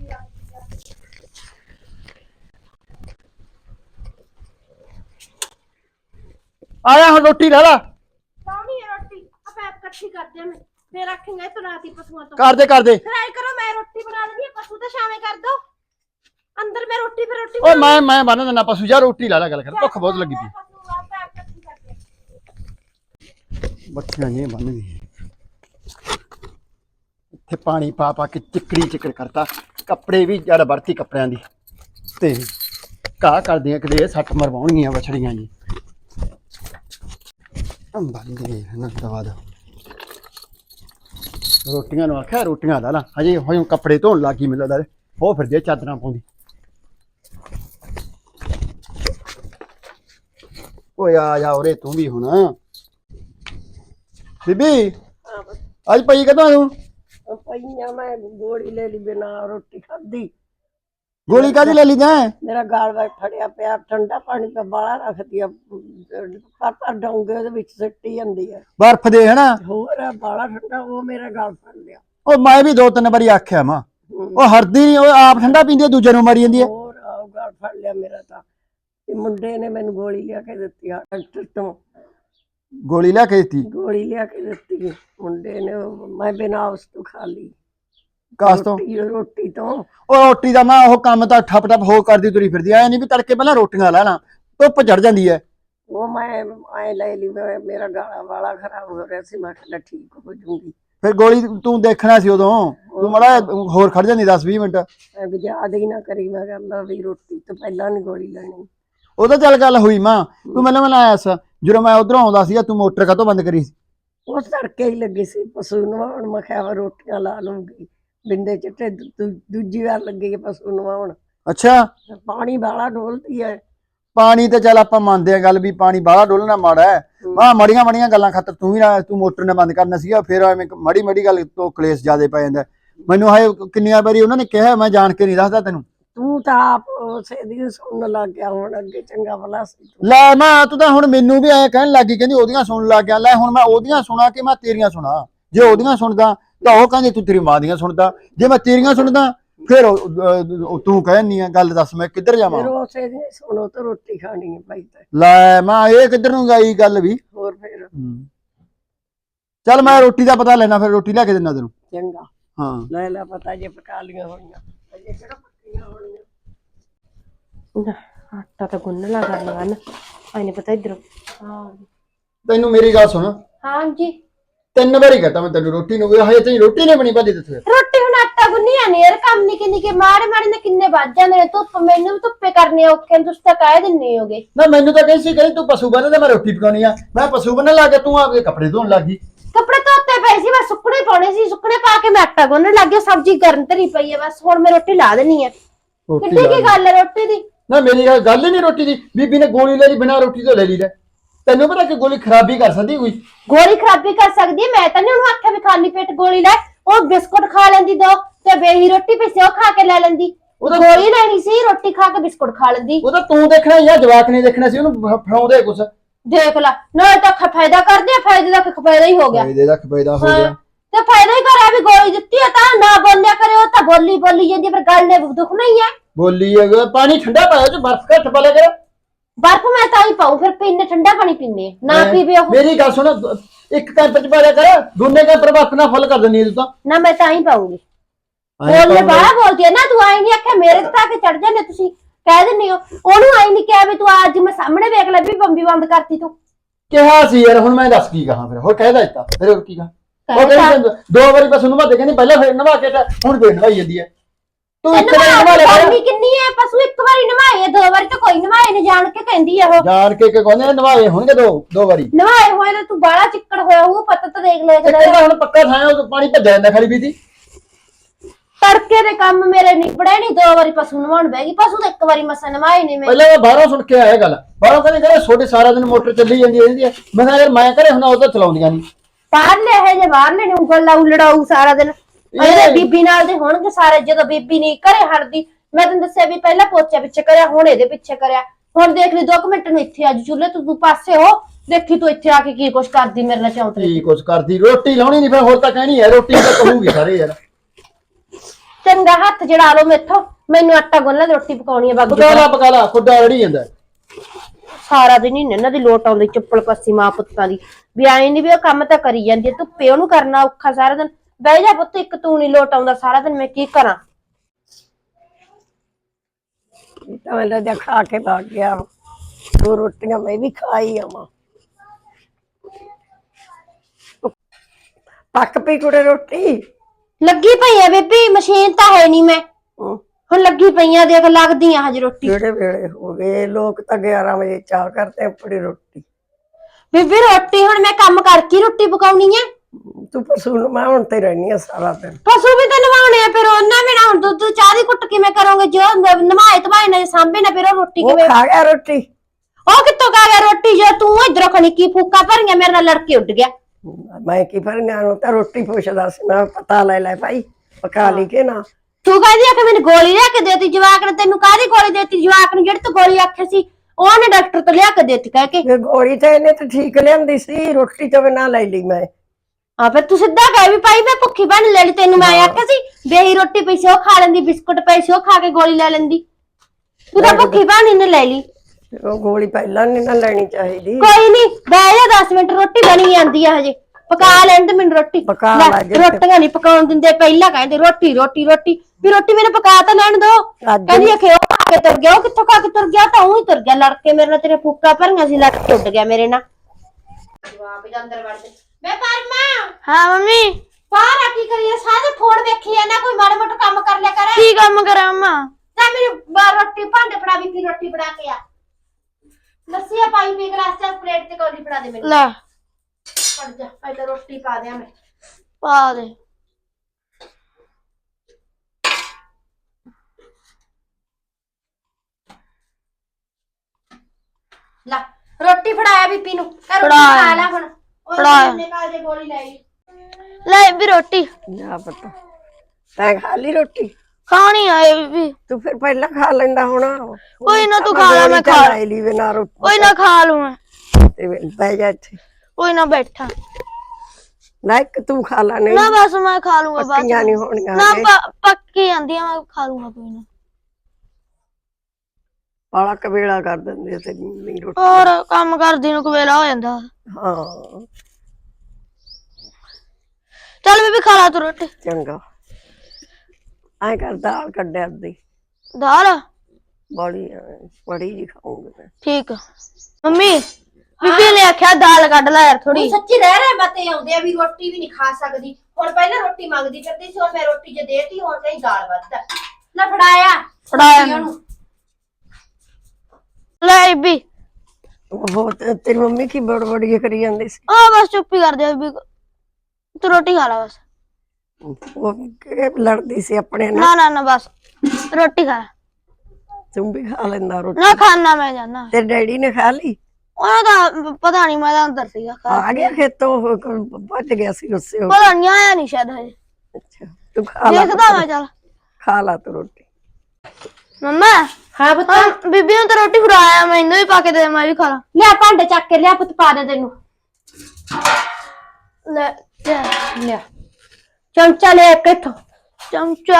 S4: ਆਇਆ ਹੁਣ ਰੋਟੀ ਲੈ ਲਾ।
S2: ਪਾਉਣੀ ਹੈ ਰੋਟੀ, ਆ ਪੈਪ ਇਕੱਠੀ ਕਰ ਦੇ ਮੈਂ, ਫਿਰ ਰੱਖਾਂਗੇ ਤੂੰ ਰਾਤੀ ਪਸ਼ੂਆਂ ਤੋਂ।
S4: ਕਰ ਦੇ ਕਰ ਦੇ।
S2: ਫਿਰ ਆਈ ਕਰੋ, ਮੈਂ ਰੋਟੀ ਬਣਾ ਦਿੰਦੀ ਹਾਂ, ਪਸ਼ੂ ਤਾਂ ਸ਼ਾਮੇ ਕਰ ਦੋ ਅੰਦਰ, ਮੈਂ ਰੋਟੀ ਫਿਰ ਰੋਟੀ
S4: ਓਏ ਮੈਂ ਮੈਂ ਬੰਨ ਦਿੰਦਾ ਪਸ਼ੂ, ਜਾ ਰੋਟੀ ਲੈ ਲੈ, ਗੱਲ ਕਰ, ਭੁੱਖ ਬਹੁਤ ਲੱਗੀ ਪਈ।
S2: ਪਸ਼ੂ ਆ ਪੈਪ ਇਕੱਠੀ ਕਰ ਦੇ।
S4: ਬੱਚੀਆਂ ਇਹ ਬੰਨ ਗਈ ਇੱਥੇ, ਪਾਣੀ ਪਾ ਪਾ ਕੇ ਚਿੱਕੜੀ ਚਿੱਕੜ ਕਰਤਾ। ਕੱਪੜੇ ਵੀ ਜੜ ਵਰਤੀ ਕੱਪੜਿਆਂ ਦੀ, ਤੇ ਘਾਹ ਕਰਦੀਆਂ ਕਿਤੇ ਸੱਟ ਮਰਵਾਉਣਗੀਆਂ ਵਛੜੀਆਂ ਜੀ। ਬੰਦੇ ਨਾ ਦਵਾ ਦੋ। ਰੋਟੀਆਂ ਨੂੰ ਆਖਿਆ ਰੋਟੀਆਂ ਲਾ ਲਾ, ਹਜੇ ਹੋਏ ਕੱਪੜੇ ਧੋਣ ਲੱਗੀ ਮੈਨੂੰ ਲੱਗਦਾ। ਉਹ ਫਿਰਦੇ ਚਾਦਰਾਂ ਪਾਉਂਦੀ। ਓਏ ਆ ਜਾ ਉਰੇ ਤੂੰ ਵੀ ਹੁਣ। ਬੀਬੀ ਅੱਜ ਪਈ ਕਦੋਂ ਤੂੰ?
S1: ਪਈਆਂ ਮੈਂ ਗੋਲੀ ਲੈ ਲਈ, ਬਿਨਾ ਰੋਟੀ ਖਾਧੀ।
S4: ਗੋਲੀ ਕਾਹਦੀ ਲੈ ਲਈ ਤੈਂ?
S1: ਮੇਰਾ ਗਾਲ ਵਾ ਫੜਿਆ ਪਿਆ, ਠੰਡਾ ਪਾਣੀ ਤਾਂ ਬਾਹਲਾ ਰੱਖਦੀ ਆ, ਪਰ ਪਰ ਡੋਂਗੇ ਉਹਦੇ ਵਿੱਚ ਸਿੱਟੀ ਜਾਂਦੀ ਹੈ।
S4: ਬਰਫ ਦੇ ਹਨਾ,
S1: ਹੋਰ ਬਾਹਲਾ ਠੰਡਾ, ਉਹ ਮੇਰਾ ਗਾਲ ਫੜ ਲਿਆ।
S4: ਉਹ ਮੈਂ ਵੀ ਦੋ ਤਿੰਨ ਵਾਰੀ ਆਖਿਆ ਮਾਂ, ਉਹ ਹਰਦੀ ਨਹੀਂ, ਉਹ ਆਪ ਠੰਡਾ ਪੀਂਦੀ, ਦੂਜੇ ਨੂੰ ਮਾਰੀ ਜਾਂਦੀ ਹੈ।
S1: ਹੋਰ ਆਹ ਗਾਲ ਫੜ ਲਿਆ ਮੇਰਾ ਤਾਂ। ਤੇ ਮੁੰਡੇ ਨੇ ਮੈਨੂੰ ਗੋਲੀ ਲਿਆ ਕੇ ਦਿੱਤੀ ਆ ਡਾਕਟਰ ਤੋਂ।
S4: ਗੋਲੀ ਲਿਆ ਕੇ ਦਿੱਤੀ
S1: ਗੋਲੀ ਲਿਆ ਕੇ ਦਿੱਤੀ ਮੁੰਡੇ ਨੇ, ਉਹ ਮੈਂ ਬਿਨਾਂ ਉਸ ਤੋਂ ਖਾ ਲਈ।
S4: ਕਾਸ ਤੋਂ?
S1: ਰੋਟੀ ਰੋਟੀ ਤੋਂ।
S4: ਉਹ ਰੋਟੀ ਦਾ ਮਾਂ ਉਹ ਕੰਮ ਤਾਂ ਠੱਪ ਠੱਪ ਹੋ ਕਰਦੀ ਤੁਰੀ ਫਿਰਦੀ ਐ, ਨਹੀਂ ਵੀ ਤੜਕੇ ਪਹਿਲਾਂ ਰੋਟੀਆਂ ਲੈ ਲਾ, ਧੁੱਪ ਚੜ ਜਾਂਦੀ ਹੈ।
S1: ਉਹ ਮੈਂ ਐ ਲੈ ਲਈ, ਮੈਂ ਮੇਰਾ ਗਾਲਾ ਵਾਲਾ ਖਰਾਬ ਹੋ ਰਿਹਾ ਸੀ, ਮੈਂ ਕਿਹਾ ਠੀਕ ਹੋ ਜੂਗੀ।
S4: ਫਿਰ ਗੋਲੀ ਤੂੰ ਦੇਖਣਾ ਸੀ ਉਦੋਂ, ਤੂੰ ਮੜਾ ਹੋਰ ਖੜ ਜਾਂਦੀ ਦਸ ਵੀਹ ਮਿੰਟ।
S1: ਮੈਂ ਯਾਦ ਹੀ ਨਾ ਕਰੀ, ਮੈਂ ਕਹਿੰਦਾ ਵੀ ਰੋਟੀ ਤੋਂ ਪਹਿਲਾਂ ਨੀ ਗੋਲੀ ਲੈਣੀ।
S4: ਉਹ ਤਾਂ ਚੱਲ ਗੱਲ ਹੋਈ ਮਾਂ, ਤੂੰ ਮੈਨੂੰ ਮੈਨੂੰ ਆਇਆ ਸੀ ਜਦੋਂ ਮੈਂ ਉਧਰੋਂ ਆਉਂਦਾ ਸੀਗਾ, ਤੂੰ ਮੋਟਰ ਕਾਹਤੋਂ ਬੰਦ ਕਰੀ ਸੀ?
S1: ਉਹ ਤੜਕੇ ਹੀ ਲੱਗੀ ਸੀ ਪਸ਼ੂ ਨਵਾਉਣ, ਮੈਂ ਕਿਹਾ ਰੋਟੀਆਂ ਲਾ ਲੂੰਗੀ। ਬਿੰਦੇ ਚਿੱਟੇ ਦੂਜੀ ਵਾਰ ਲੱਗੀ ਪਸ਼ੂ ਨਵਾਉਣ,
S4: ਅੱਛਾ
S1: ਪਾਣੀ ਵਾਲਾ ਡੋਲਦੀ ਹੈ।
S4: ਪਾਣੀ ਤੇ ਚੱਲ ਆਪਾਂ ਮੰਨਦੇ ਆ ਗੱਲ ਵੀ ਪਾਣੀ ਬਾਹਲਾ ਡੋਲਣਾ ਮਾੜਾ ਹੈ। ਆਹ ਮੜੀਆਂ ਮੜੀਆਂ ਗੱਲਾਂ ਖਾਤਰ ਤੂੰ ਵੀ ਨਾ ਤੂੰ ਮੋਟਰ ਨੇ ਬੰਦ ਕਰਨਾ ਸੀਗਾ, ਫਿਰ ਐਵੇਂ ਮੜੀ ਮੜੀ ਗੱਲ ਤੋਂ ਕਲੇਸ਼ ਜ਼ਿਆਦਾ ਪੈ ਜਾਂਦਾ। ਮੈਨੂੰ ਹਾਏ ਕਿੰਨੀਆਂ ਵਾਰੀ ਉਹਨਾਂ ਨੇ ਕਿਹਾ, ਮੈਂ ਜਾਣ ਕੇ ਨਹੀਂ ਦੱਸਦਾ ਤੈਨੂੰ।
S1: ਤੂੰ ਤਾਂ ਆਪ ਉਸੇ ਦੀ ਸੁਣਨ ਲੱਗ ਗਿਆ, ਹੁਣ ਅੱਗੇ ਚੰਗਾ ਭਲਾ ਸੀ ਤੂੰ।
S4: ਲੈ ਮੈਂ ਤੂੰ ਤਾਂ ਹੁਣ ਮੈਨੂੰ ਵੀ ਐਂ ਕਹਿਣ ਲੱਗੀ, ਕਹਿੰਦੀ ਉਹਦੀਆਂ ਸੁਣਨ ਲੱਗ ਗਿਆ। ਲੈ ਹੁਣ ਮੈਂ ਉਹਦੀਆਂ ਸੁਣਾ ਕਿ ਮੈਂ ਤੇਰੀਆਂ ਸੁਣਾ? ਜੇ ਉਹਦੀਆਂ ਸੁਣਦਾ ਤਾਂ ਉਹ ਕਹਿੰਦੀ ਤੂੰ ਤੇਰੀ ਮਾਂ ਦੀਆਂ ਸੁਣਦਾ, ਜੇ ਮੈਂ ਤੇਰੀਆਂ ਸੁਣਦਾ ਫਿਰ ਤੂੰ ਕਹਿਨੀ ਆ। ਗੱਲ ਦੱਸ ਮੈਂ ਕਿੱਧਰ ਜਾਵਾਂ?
S1: ਫਿਰ ਉਸੇ ਦੀ ਸੁਣੋ ਤਾਂ ਰੋਟੀ ਖਾਣੀ ਹੈ ਭਾਈ। ਤੇ
S4: ਲੈ ਮੈਂ ਇਹ ਕਿੱਧਰ ਨੂੰ ਗਈ ਗੱਲ ਵੀ।
S1: ਹੋਰ ਫਿਰ
S4: ਚੱਲ ਮੈਂ ਰੋਟੀ ਦਾ ਪਤਾ ਲੈਣਾ, ਫਿਰ ਰੋਟੀ ਲਿਆ ਕੇ ਦਿੰਦਾ ਤੈਨੂੰ।
S1: ਚੰਗਾ
S4: ਹਾਂ
S1: ਲੈ ਲੈ ਪਤਾ ਜੇ ਪਕਾ ਲੀਆਂ ਹੋਣੀਆਂ, ਅਜੇ ਕਿਹੜਾ ਪੱਕੀਆਂ ਹੋਣੀਆਂ।
S2: ਆਟਾ ਤਾਂ ਗੁੰਨ ਲਾ ਕਰ ਲਗਾ ਨਾ, ਆਈ ਨਹੀਂ ਪਤਾ ਇਧਰ। ਹਾਂ
S4: ਤੈਨੂੰ ਮੇਰੀ ਗੱਲ ਸੁਣ,
S2: ਹਾਂਜੀ
S4: ਤਿੰਨ ਵਾਰੀ ਕਹਤਾ ਮੈਂ ਤੈਨੂੰ ਰੋਟੀ ਨੂੰ, ਹਜੇ ਤੇਰੀ ਰੋਟੀ ਨਹੀਂ ਬਣੀ ਭਾਜੀ ਦਿੱਤੇ।
S2: ਰੋਟੀ ਹੁਣ ਆਟਾ ਗੁੰਨੀ ਆ ਨੀ ਯਾਰ, ਕੰਮ ਨਿੱਕੇ ਨਿੱਕੇ ਮਾੜੇ ਮਾੜੇ ਨੇ ਕਿੰਨੇ ਵੱਜ ਜਾਂਦੇ ਨੇ। ਧੁੱਪ ਮੈਨੂੰ ਵੀ ਧੁੱਪੇ ਕਰਨੇ ਔਖੇ ਨੇ, ਤੁਸੀਂ ਤਾਂ ਕਹਿ ਦਿੰਨੇ ਹੋਗੇ।
S4: ਨਾ ਮੈਨੂੰ ਤਾਂ ਕਹੀ ਸੀ ਕਹਿੰਦੀ ਤੂੰ ਪਸ਼ੂ ਬੰਨ ਤੇ ਮੈਂ ਰੋਟੀ ਪਕਾਉਣੀ ਆ। ਮੈਂ ਪਸ਼ੂ ਬੰਨਣ ਲੱਗ ਗਿਆ, ਤੂੰ ਆਪਦੇ ਕੱਪੜੇ ਧੋਣ ਲੱਗ ਗਈ।
S2: ਕੱਪੜੇ ਧੋਤੇ ਪਏ ਸੀ, ਮੈਂ ਸੁੱਕਣੇ ਪਾਉਣੇ ਸੀ, ਸੁੱਕਣੇ ਪਾ ਕੇ ਮੈਂ ਆਟਾ ਗੁੰਨਣ ਲੱਗ ਗਿਆ। ਸਬਜ਼ੀ ਗਰਮ ਧਰੀ ਪਈ ਹੈ, ਬਸ ਹੁਣ ਮੈਂ ਰੋਟੀ ਲਾ ਦੇਣੀ ਹੈ। ਕਿੱਡੀ ਕੀ ਗੱਲ ਹੈ ਰੋਟੀ ਦੀ?
S4: ਨਾ ਮੇਰੀ ਗੱਲ ਹੀ ਨਹੀਂ ਰੋਟੀ ਦੀ। ਬੀਬੀ ਨੇ ਗੋਲੀ ਲੈ ਲਈ, ਬਿਨਾਂ ਰੋਟੀ ਤੋਂ ਲੈ ਲਈ। ਲੈ ਤੈਨੂੰ ਪਤਾ ਕਿ ਗੋਲੀ ਖਰਾਬੀ ਕਰ ਸਕਦੀ ਕੋਈ?
S2: ਗੋਲੀ ਖਰਾਬੀ ਕਰ ਸਕਦੀ ਹੈ? ਮੈਂ ਤਾਂ ਨਹੀਂ ਉਹਨੂੰ ਆਖਿਆ ਵੀ ਖਾਲੀ ਪੇਟ ਗੋਲੀ ਲੈ। ਉਹ ਬਿਸਕੁਟ ਖਾ ਲੈਂਦੀ ਦੋ, ਤੇ ਬੇਹੀ ਰੋਟੀ ਪਿੱਛੇ ਉਹ ਖਾ ਕੇ ਲੈ ਲੈਂਦੀ। ਗੋਲੀ ਲੈਣੀ ਸੀ, ਰੋਟੀ ਖਾ ਕੇ ਬਿਸਕੁਟ ਖਾ ਲੈਂਦੀ।
S4: ਉਹ ਤਾਂ ਤੂੰ ਦੇਖਣਾ ਜਾਂ ਜਵਾਕ ਨੇ ਦੇਖਣਾ ਸੀ, ਉਹਨੂੰ ਫੜਾਉਂਦੇ ਕੁਛ।
S2: ਦੇਖ ਲੈ ਨਾ, ਤਾਂ ਫਾਇਦਾ ਕਰਦੇ ਆ, ਫਾਇਦੇ ਦਾ ਫਾਇਦਾ ਹੀ ਹੋ ਗਿਆ।
S4: ਫਾਇਦੇ ਦਾ ਫਾਇਦਾ ਹੋ ਗਿਆ
S2: ਤੇ ਫਾਇਦਾ ਹੀ ਕਰਿਆ ਵੀ ਗੋਲੀ ਦਿੱਤੀ ਹੈ ਤਾਂ ਨਾ ਬੋਲਿਆ ਕਰੇ। ਉਹ ਤਾਂ ਬੋਲੀ ਬੋਲੀ ਜਾਂਦੀ, ਫਿਰ ਗੱਲ ਨੇ ਦੁਖਣਾ ਹੀ ਹੈ।
S4: ਬੋਲੀ ਹੈਗਾ ਪਾਣੀ ਠੰਡਾ ਪਾਇਆ ਚ ਬਰਫ਼ ਘੱਟ ਪਾ ਲਿਆ ਕਰ।
S2: ਬਰਫ਼ ਮੈਂ ਤਾਂ ਹੀ ਪਾਉ, ਫਿਰ ਪੀਨੇ ਠੰਡਾ ਪਾਣੀ ਪੀਨੇ ਨਾ ਪੀਵੇ ਉਹ।
S4: ਮੇਰੀ ਗੱਲ ਸੁਣ, ਇੱਕ ਕੱਪ ਚ ਪਾ ਲਿਆ ਕਰ, ਦੋਨੇ ਕੱਪ ਬਰਫ਼ ਨਾਲ ਫੁੱਲ ਕਰ ਦਿੰਦੀ ਤੂੰ ਤਾਂ।
S2: ਨਾ ਮੈਂ ਤਾਂ ਹੀ ਪਾਉਂਗੀ। ਬੋਲਨੇ ਬਾਹਲਾ ਬੋਲਦੀ ਹੈ ਨਾ ਤੂੰ। ਆਈ ਨਹੀਂ ਆਖਿਆ ਮੇਰੇ ਤੇ ਕੇ ਚੜ ਜਾਂਦੇ ਤੁਸੀਂ, ਕਹਿ ਦਿੰਦੇ ਹੋ। ਉਹਨੂੰ ਆਈ ਨਹੀਂ ਕਿਹਾ ਵੀ ਤੂੰ ਅੱਜ ਮੈਂ ਸਾਹਮਣੇ ਵੇਖ ਲੈ ਵੀ ਬੰਬੀ ਬੰਦ ਕਰਤੀ ਤੂੰ।
S4: ਕਿਹਾ ਸੀ ਯਾਰ, ਹੁਣ ਮੈਂ ਦੱਸ ਕੀ ਕਹਾਂ? ਫਿਰ ਹੋਰ ਕਹਿਦਾ ਦਿੱਤਾ, ਫਿਰ ਹੋਰ ਕੀ ਕਹਾਂ? ਉਹ ਕਹਿੰਦੀ ਦੋ ਵਾਰੀ ਬਸ ਨਵਾ ਦੇ, ਕਹਿੰਦੀ ਪਹਿਲਾਂ ਫਿਰ ਨਵਾ ਕੇ ਤਾਂ ਹੁਣ ਫੇਰ ਨਵਾਈ ਜਾਂਦੀ ਹੈ। ਤੂੰ ਇੱਕ ਵਾਰੀ ਨਵਾ ਲੈ।
S2: ਗਰਮੀ ਕਿੰਨੀ ਹੈ, ਪਸ਼ੂ ਇੱਕ ਵਾਰੀ ਨਵਾਏ, ਦੋ ਵਾਰੀ ਤਾਂ ਕੋਈ ਨਵਾਏ ਨੇ, ਜਾਣ ਕੇ ਕਹਿੰਦੀ ਆ ਉਹ।
S4: ਜਾਣ ਕੇ ਕਿ ਕਹਿੰਦੇ ਨਵਾਏ ਹੋਣਗੇ ਦੋ ਦੋ ਵਾਰੀ।
S2: ਨਵਾਏ ਹੋਏ ਤੇ ਤੂੰ ਬਾਹਲਾ ਚਿੱਕੜ ਹੋਇਆ ਉਹ ਪਤਾ ਤਾਂ ਦੇਖ ਲੈ
S4: ਕਿਹੜਾ ਹੁਣ ਪੱਕਾ ਥਾਂ ਉਹ ਪਾਣੀ ਭੱਜ ਜਾਂਦਾ ਖਾਲੀ ਬੀਦੀ।
S2: ਤੜਕੇ ਦੇ ਕੰਮ ਮੇਰੇ ਨਿਬੜੇ ਨਹੀਂ, ਦੋ ਵਾਰੀ ਪਸ਼ੂ ਨਵਾਉਣ ਬਹਿ ਗਈ। ਪਸ਼ੂ ਤਾਂ ਇੱਕ ਵਾਰੀ ਮਸਾ ਨਵਾਏ ਨਹੀਂ ਮੈਂ।
S4: ਪਹਿਲਾਂ ਮੈਂ ਬਾਹਰੋਂ ਸੁਣ ਕੇ ਆਇਆ ਗੱਲ, ਬਾਹਰੋਂ ਕਹਿੰਦੇ ਕਹਿੰਦੇ ਛੋਟੇ ਸਾਰਾ ਦਿਨ ਮੋਟਰ ਚੱਲੀ ਜਾਂਦੀ ਰਹਿੰਦੀ ਹੈ। ਮੈਂ ਕਿਹਾ ਯਾਰ ਮੈਂ ਘਰੇ ਹੁਣ ਉਹ ਤਾਂ ਚਲਾਉਂਦੀਆਂ ਨਹੀਂ।
S2: ਬਾਹਰਲੇ ਇਹ ਜੇ ਬਾਹਰਲੇ ਨੇ ਉਂਗਲ ਲਾਉ ਲੜਾਊ ਸਾਰਾ ਦਿਨ। ਇਹਦੇ ਬੀਬੀ ਨਾਲ ਦੇ ਹੋਣਗੇ ਸਾਰੇ, ਜਦੋਂ ਬੀਬੀ ਨਹੀਂ ਘਰੇ ਹਟਦੀ। ਮੈਂ ਤੈਨੂੰ ਦੱਸਿਆ ਵੀ ਪਹਿਲਾਂ ਪੋਚਾ ਪਿੱਛੇ ਕਰਿਆ, ਹੁਣ ਇਹਦੇ ਪਿੱਛੇ ਕਰਿਆ। ਹੁਣ ਦੇਖ ਲਈ ਦੋ ਕੁ ਮਿੰਟ ਨੂੰ ਇੱਥੇ ਅੱਜ ਚੁੱਲ੍ਹੇ ਤੋਂ ਤੂੰ ਪਾਸੇ ਹੋ, ਦੇਖੀ ਤੂੰ ਇੱਥੇ ਆ ਕੇ ਕੀ ਕੁਛ ਕਰਦੀ ਮੇਰੇ ਨਾਲ ਚੌਂਤਰੀ।
S4: ਕੀ ਕੁਛ ਕਰਦੀ? ਰੋਟੀ ਲਾਉਣੀ ਨਹੀਂ, ਫਿਰ ਹੋਰ ਤਾਂ ਕਹਿਣੀ ਹੈ ਰੋਟੀ ਤਾਂ ਕਹੂਗੀ ਸਾਰੇ ਯਾਰ।
S2: ਚੰਗਾ ਹੱਥ ਜੜਾ ਲਓ ਮੈਥੋਂ, ਮੈਨੂੰ ਆਟਾ ਗੁੰਨ ਲੈ, ਰੋਟੀ ਪਕਾਉਣੀ ਹੈ। ਬਾਬੂ
S4: ਪਕਾ ਲਾ ਪਕਾ ਲਾ, ਖੁੱਡਾ ਰੜੀ ਜਾਂਦਾ
S2: ਸਾਰਾ ਦਿਨ ਹੀ ਇਹਨਾਂ ਦੀ ਲੋਟ ਆਉਂਦੀ ਚੱਪਲ ਪੱਸੀ ਮਾਂ ਪੁੱਤਾਂ ਦੀ। ਵੀ ਆਏ ਨਹੀਂ ਵੀ ਉਹ ਕੰਮ ਤਾਂ ਕਰੀ ਜਾਂਦੀ ਹੈ, ਧੁੱਪੇ ਉਹਨੂੰ ਕਰਨਾ ਔਖਾ ਸਾਰਾ ਦਿਨ। ਬਹਿ ਜਾ ਪੁੱਤ, ਇੱਕ ਤੂੰ ਨੀ ਲੋਟ ਆਉਂਦਾ ਸਾਰਾ ਦਿਨ, ਮੈਂ ਕੀ ਕਰਾਂ?
S1: ਤਾਂ ਮੈਂ ਲੈ ਖਾ ਕੇ ਭਾਗ ਗਿਆ। ਦੋ ਰੋਟੀਆਂ ਮੈਂ ਵੀ ਖਾਈ ਆਵਾਂ। ਪੱਕ ਪਈ ਕੁੜੇ ਰੋਟੀ।
S2: ਲੱਗੀ ਪਈ ਆ ਬੇਬੀ, ਮਸ਼ੀਨ ਤਾਂ ਹੈ ਨਹੀਂ। ਮੈਂ ਹੁਣ ਲੱਗੀ ਪਈਆਂ, ਦੇਖ ਲੱਗਦੀ ਆ ਹਜੇ ਰੋਟੀ।
S1: ਕਿਹੜੇ ਵੇਲੇ ਹੋ ਗਏ? ਲੋਕ ਤਾਂ ਗਿਆਰਾਂ ਵਜੇ ਚਾਹ ਕਰਦੇ ਆਪਣੀ ਰੋਟੀ।
S2: ਬੀਬੀ ਰੋਟੀ ਹੁਣ ਮੈਂ ਕੰਮ ਕਰਕੇ ਰੋਟੀ ਪਕਾਉਣੀ ਆ।
S1: ਤੂੰ ਪਸ਼ੂ ਨਵਾਉਣ ਤੇ ਰਹਿਨੀ ਆ ਸਾਰਾ ਦਿਨ।
S2: ਪਸ਼ੂ ਵੀ ਤਾਂ ਨਵਾਉਣੇ ਆ, ਫਿਰ ਉਹਨਾਂ ਬਿਨਾਂ ਹੁਣ ਦੁੱਧ ਚਾਹ ਦੀ ਕੁੱਟ ਕਿਵੇਂ ਕਰੋਗੇ? ਜੋ ਨਵਾਏ ਧਵਾਏ ਨਾ ਸਾਂਭੇ ਨਾ, ਫਿਰ ਉਹ ਰੋਟੀ ਕਿਵੇਂ?
S1: ਖਾ ਗਿਆ ਰੋਟੀ?
S2: ਉਹ ਕਿੱਥੋਂ ਖਾ ਗਿਆ ਰੋਟੀ? ਜੇ ਤੂੰ ਇਧਰੋਂ ਖਣੀ ਕੀ ਫੂਕਾ ਭਰੀਆਂ, ਮੇਰੇ ਨਾਲ ਲੜ ਕੇ ਉੱਡ ਗਿਆ।
S1: ਮੈਂ ਕੀ ਭਰੀਆਂ ਨੂੰ ਤਾਂ ਰੋਟੀ ਪੁੱਛਦਾ ਸੀ। ਮੈਂ ਪਤਾ ਲੈ ਲੈ ਭਾਈ ਪਕਾ ਲਈ ਕਿ ਨਾ।
S2: ਤੂੰ ਕਹਿੰਦੀ ਆ ਕਿ ਮੈਨੂੰ ਗੋਲੀ ਲਿਆ ਕੇ ਦੇਤੀ ਜਵਾਕ ਨੇ। ਤੈਨੂੰ ਕਾਹਦੀ ਗੋਲੀ ਦੇਤੀ ਜਵਾਕ ਨੂੰ? ਜਿਹੜੀ ਤੂੰ ਗੋਲੀ ਆਖੀ ਸੀ ਉਹਨੇ ਡਾਕਟਰ ਤੋਂ ਲਿਆ ਕੇ ਦੇਤੀ ਕਹਿ ਕੇ।
S1: ਫਿਰ ਗੋਲੀ ਤਾਂ ਇਹਨੇ ਤਾਂ ਠੀਕ ਲਿਆਂਦੀ ਸੀ, ਰੋਟੀ ਤੋਂ ਬਿਨਾਂ ਲੈ ਲਈ ਮੈਂ।
S2: ਹਾਂ ਫਿਰ ਤੂੰ ਸਿੱਧਾ ਕਹਿ ਵੀ ਭਾਈ ਮੈਂ ਭੁੱਖੀ ਬਣ ਲੈ ਲਈ। ਤੈਨੂੰ ਮੈਂ ਆਖਿਆ ਸੀ ਬੇਹੀ ਰੋਟੀ ਪਈ ਸੀ ਉਹ ਖਾ ਲੈਂਦੀ, ਬਿਸਕੁਟ ਪਏ ਸੀ ਉਹ ਖਾ ਕੇ ਗੋਲੀ ਲੈ ਲੈਂਦੀ। ਤੂੰ ਤਾਂ ਭੁੱਖੀ ਬਣ ਨੇ ਲੈ ਲਈ।
S1: ਉਹ ਗੋਲੀ ਪਹਿਲਾਂ ਨਹੀਂ ਨਾ ਲੈਣੀ ਚਾਹੀਦੀ।
S2: ਕੋਈ ਨਹੀਂ, ਬਹਿ ਜਾ ਦਸ ਮਿੰਟ, ਰੋਟੀ ਬਣੀ ਜਾਂਦੀ ਆ ਹਜੇ। ਪਕਾ ਲੈਣ ਤੇ ਮੈਨੂੰ ਰੋਟੀ।
S1: ਪਕਾ
S2: ਲੈ,
S1: ਲੈ ਜੇ।
S2: ਰੋਟੀਆਂ ਨਹੀਂ ਪਕਾਉਣ ਦਿੰਦੇ, ਪਹਿਲਾਂ ਕਹਿੰਦੇ ਰੋਟੀ ਰੋਟੀ ਰੋਟੀ। ਵੀ ਰੋਟੀ ਮੈਨੂੰ ਪਕਾ ਤਾਂ ਲੈਣ ਦੋ।
S1: ਅੱਜ
S2: ਕਹਿੰਦੀ ਅਖੇ ਉਹ ਖਾ ਕੇ ਤੁਰ ਗਿਆ। ਉਹ ਕਿੱਥੋਂ ਖਾ ਕੇ ਤੁਰ ਗਿਆ? ਤਾਂ ਉਹ ਹੀ ਤੁਰ ਗਿਆ ਲੜ ਕੇ ਮੇਰੇ ਨਾਲ। ਤੇਰੇ ਫੂਕਾ ਭਰੀਆਂ ਸੀ, ਲੜ ਕੇ ਉੱਡ ਗਿਆ ਮੇਰੇ ਨਾਲ। ਜਵਾਬ ਜਾਂ ਅੰਦਰ ਵੜ ਦੇ। ਮੈਂ ਪਰਮਾ।
S3: ਹਾਂ ਮੰਮੀ।
S2: ਬਾਹਰ ਆ ਕੀ ਕਰੀਏ? ਸਾਰੇ ਫੋਨ ਵੇਖੀ ਆ ਨਾ, ਕੋਈ ਮਾੜਾ ਮੋਟਾ ਕੰਮ ਕਰ ਲਿਆ ਕਰ।
S3: ਕੀ ਕੰਮ ਕਰਾਂ ਮੰਮਾ?
S2: ਤਾਂ ਮੇਰੀ ਬਾਹਰ ਰੋਟੀ ਭਾਂਡੇ ਫੜਾ ਵੀ, ਫਿਰ ਰੋਟੀ ਬਣਾ ਕੇ ਆ। ਲੱਸੀ ਆ ਪਾਈ ਪੀ, ਗਲਾਸ ਚ ਪਲੇਟ ਤੇ ਕੌਲੀ ਫੜਾ ਦੇ ਮੈਨੂੰ।
S3: ਲੈ
S2: ਫੜ ਜਾ, ਪਹਿਲਾਂ ਰੋਟੀ ਪਾ ਦਿਆਂ ਮੈਂ।
S3: ਪਾ ਦੇ।
S2: ਲੈ ਰੋਟੀ ਫੜਾਇਆ ਬੀਬੀ ਨੂੰ ਕਰ ਰੋਟੀ
S3: ਫੜਾਇਆ।
S2: ਖਾ ਲੈ ਹੁਣ ਉਹ
S3: ਫੜਾਇਆ।
S2: ਨੇ ਕਾਲ ਦੇ ਗੋਲੀ ਲੈ ਲਈ
S3: ਲੈ ਵੀ ਰੋਟੀ
S1: ਜਾ ਪਤਾ ਤੈਂ ਖਾ ਲਈ ਰੋਟੀ
S3: ਖਾਣੀ ਆ ਇਹ ਵੀ
S1: ਤੂੰ ਫਿਰ ਪਹਿਲਾਂ ਖਾ ਲੈਂਦਾ ਹੋਣਾ
S3: ਕੋਈ ਨਾ ਤੂੰ ਖਾ ਲੈ ਮੈਂ ਖਾ
S1: ਲੈ ਲਈ ਬਿਨਾ ਰੋਟੀ
S3: ਕੋਈ ਨਾ ਖਾ ਲੂ ਮੈਂ
S1: ਤੇ ਬਹਿ ਜਾ ਇੱਥੇ
S3: ਕੋਈ ਨਾ ਬੈਠਾ
S1: ਨਾ ਇੱਕ ਤੂੰ ਖਾ ਲੈ ਨਹੀਂ
S3: ਨਾ ਬਸ ਮੈਂ ਖਾ ਲੂੰਗਾ ਬਾਅਦ
S1: ਪੱਕੀਆਂ
S3: ਚ।
S1: ਨਹੀਂ ਹੋਣੀਆਂ
S3: ਨਾ
S1: ਹਜੇ।
S3: ਪ- ਪੱਕੀ ਜਾਂਦੀ ਆ ਮੈਂ ਖਾ ਲੂੰਗਾ ਕੋਈ ਨਾ
S1: ਬਾਲਾ ਕਵੇਲਾ ਕਰ ਦਿੰਦੇ ਤੇ ਮੰਮੀ ਰੋਟੀ
S3: ਹੋਰ ਕੰਮ ਕਰਦੀ ਨੂੰ ਕਵੇਲਾ ਹੋ ਜਾਂਦਾ
S1: ਹਾਂ
S3: ਚੱਲ ਬੀਬੀ ਖਾ ਲਾ ਤੂੰ ਰੋਟੀ
S1: ਚੰਗਾ ਐ ਕਰ ਦਾਲ ਕੱਢਿਆ ਦੀ
S3: ਦਾਲ
S1: ਬੜੀ ਬੜੀ ਜੀ ਖਾਉਂਗੀ ਮੈਂ
S3: ਠੀਕ ਆ ਮੰਮੀ ਬੀਬੀ ਨੇ ਆਖਿਆ ਦਾਲ ਕੱਢ ਲੈ ਯਾਰ ਥੋੜੀ
S2: ਤੂੰ ਸੱਚੀ ਰਹਿ ਰਹਿ ਬਾਤੇ ਆਉਂਦੇ ਆ ਵੀ ਰੋਟੀ ਵੀ ਨਹੀਂ ਖਾ ਸਕਦੀ ਹੁਣ ਪਹਿਲਾਂ ਰੋਟੀ ਮੰਗਦੀ ਫਿਰਦੀ ਸੀ ਹੁਣ ਮੈਂ ਰੋਟੀ ਜੇ ਦੇਤੀ ਹੁਣ ਕਹੀਂ ਦਾਲ ਵੱਧਦਾ ਲੈ ਫੜਾਇਆ
S3: ਫੜਾਇਆ
S2: ਰੋਟੀ ਉਹਨੂੰ।
S3: ਲੈ ਬੀਬੀ
S1: ਉਹ ਤੇ- ਤੇਰੀ ਮੰਮੀ ਕੀ ਬੜਬੜੀ ਕਰੀ ਜਾਂਦੀ ਸੀ
S3: ਆ ਬਸ ਚੁੱਪ ਹੀ ਕਰ ਜਾ ਬੀਬੀ ਤੂੰ ਰੋਟੀ ਖਾ ਲਾ ਬਸ
S1: ਉਹ ਕਿ ਲੜਦੀ ਸੀ ਆਪਣੇ ਨਾਲ
S3: ਨਾ ਨਾ ਨਾ ਬਸ ਰੋਟੀ ਖਾ ਲਾ।
S1: ਤੂੰ ਵੀ ਖਾ ਲੈਂਦਾ ਰੋਟੀ
S3: ਨਾ ਖਾਣਾ ਮੈਂ ਜਾਣਾ
S1: ਤੇਰੇ ਡੈਡੀ ਨੇ ਖਾ ਲਈ
S3: ਉਹਨਾਂ ਦਾ ਪਤਾ ਨਹੀਂ ਮੈਂ ਤਾਂ ਅੰਦਰ ਸੀਗਾ ਖਾ-
S1: ਆ ਗਿਆ ਖੇਤੋਂ ਉਹ ਭੱਜ ਗਿਆ ਸੀ ਉਸੇ
S3: ਪਤਾ ਨਹੀਂ ਆਇਆ ਨਹੀਂ ਸ਼ਾਇਦ ਹਜੇ
S1: ਅੱਛਾ ਤੂੰ ਖਾ ਲਾ
S3: ਦੇਖਦਾ ਮੈਂ ਚੱਲ
S1: ਖਾ ਲਾ ਤੂੰ ਰੋਟੀ
S3: ਮੰਮਾ
S2: ਹਾਂ ਪੁੱਤ
S3: ਹਾਂ, ਬੀਬੀ ਨੂੰ ਤਾਂ ਰੋਟੀ ਫੜਾਇਆ ਮੈਨੂੰ ਵੀ ਪਾ ਕੇ ਦੇ ਮੈਂ ਵੀ ਖਾ ਲਾ
S2: ਲਿਆ ਭਾਂਡੇ ਚੱਕ ਕੇ ਲਿਆ ਪੁੱਤ ਪਾ ਦੇ ਤੈਨੂੰ
S3: ਲੈ ਲੈ,
S2: ਲਿਆ ਚਮਚਾ ਲੈ ਇੱਕ ਇੱਥੋਂ
S3: ਚਮਚਾ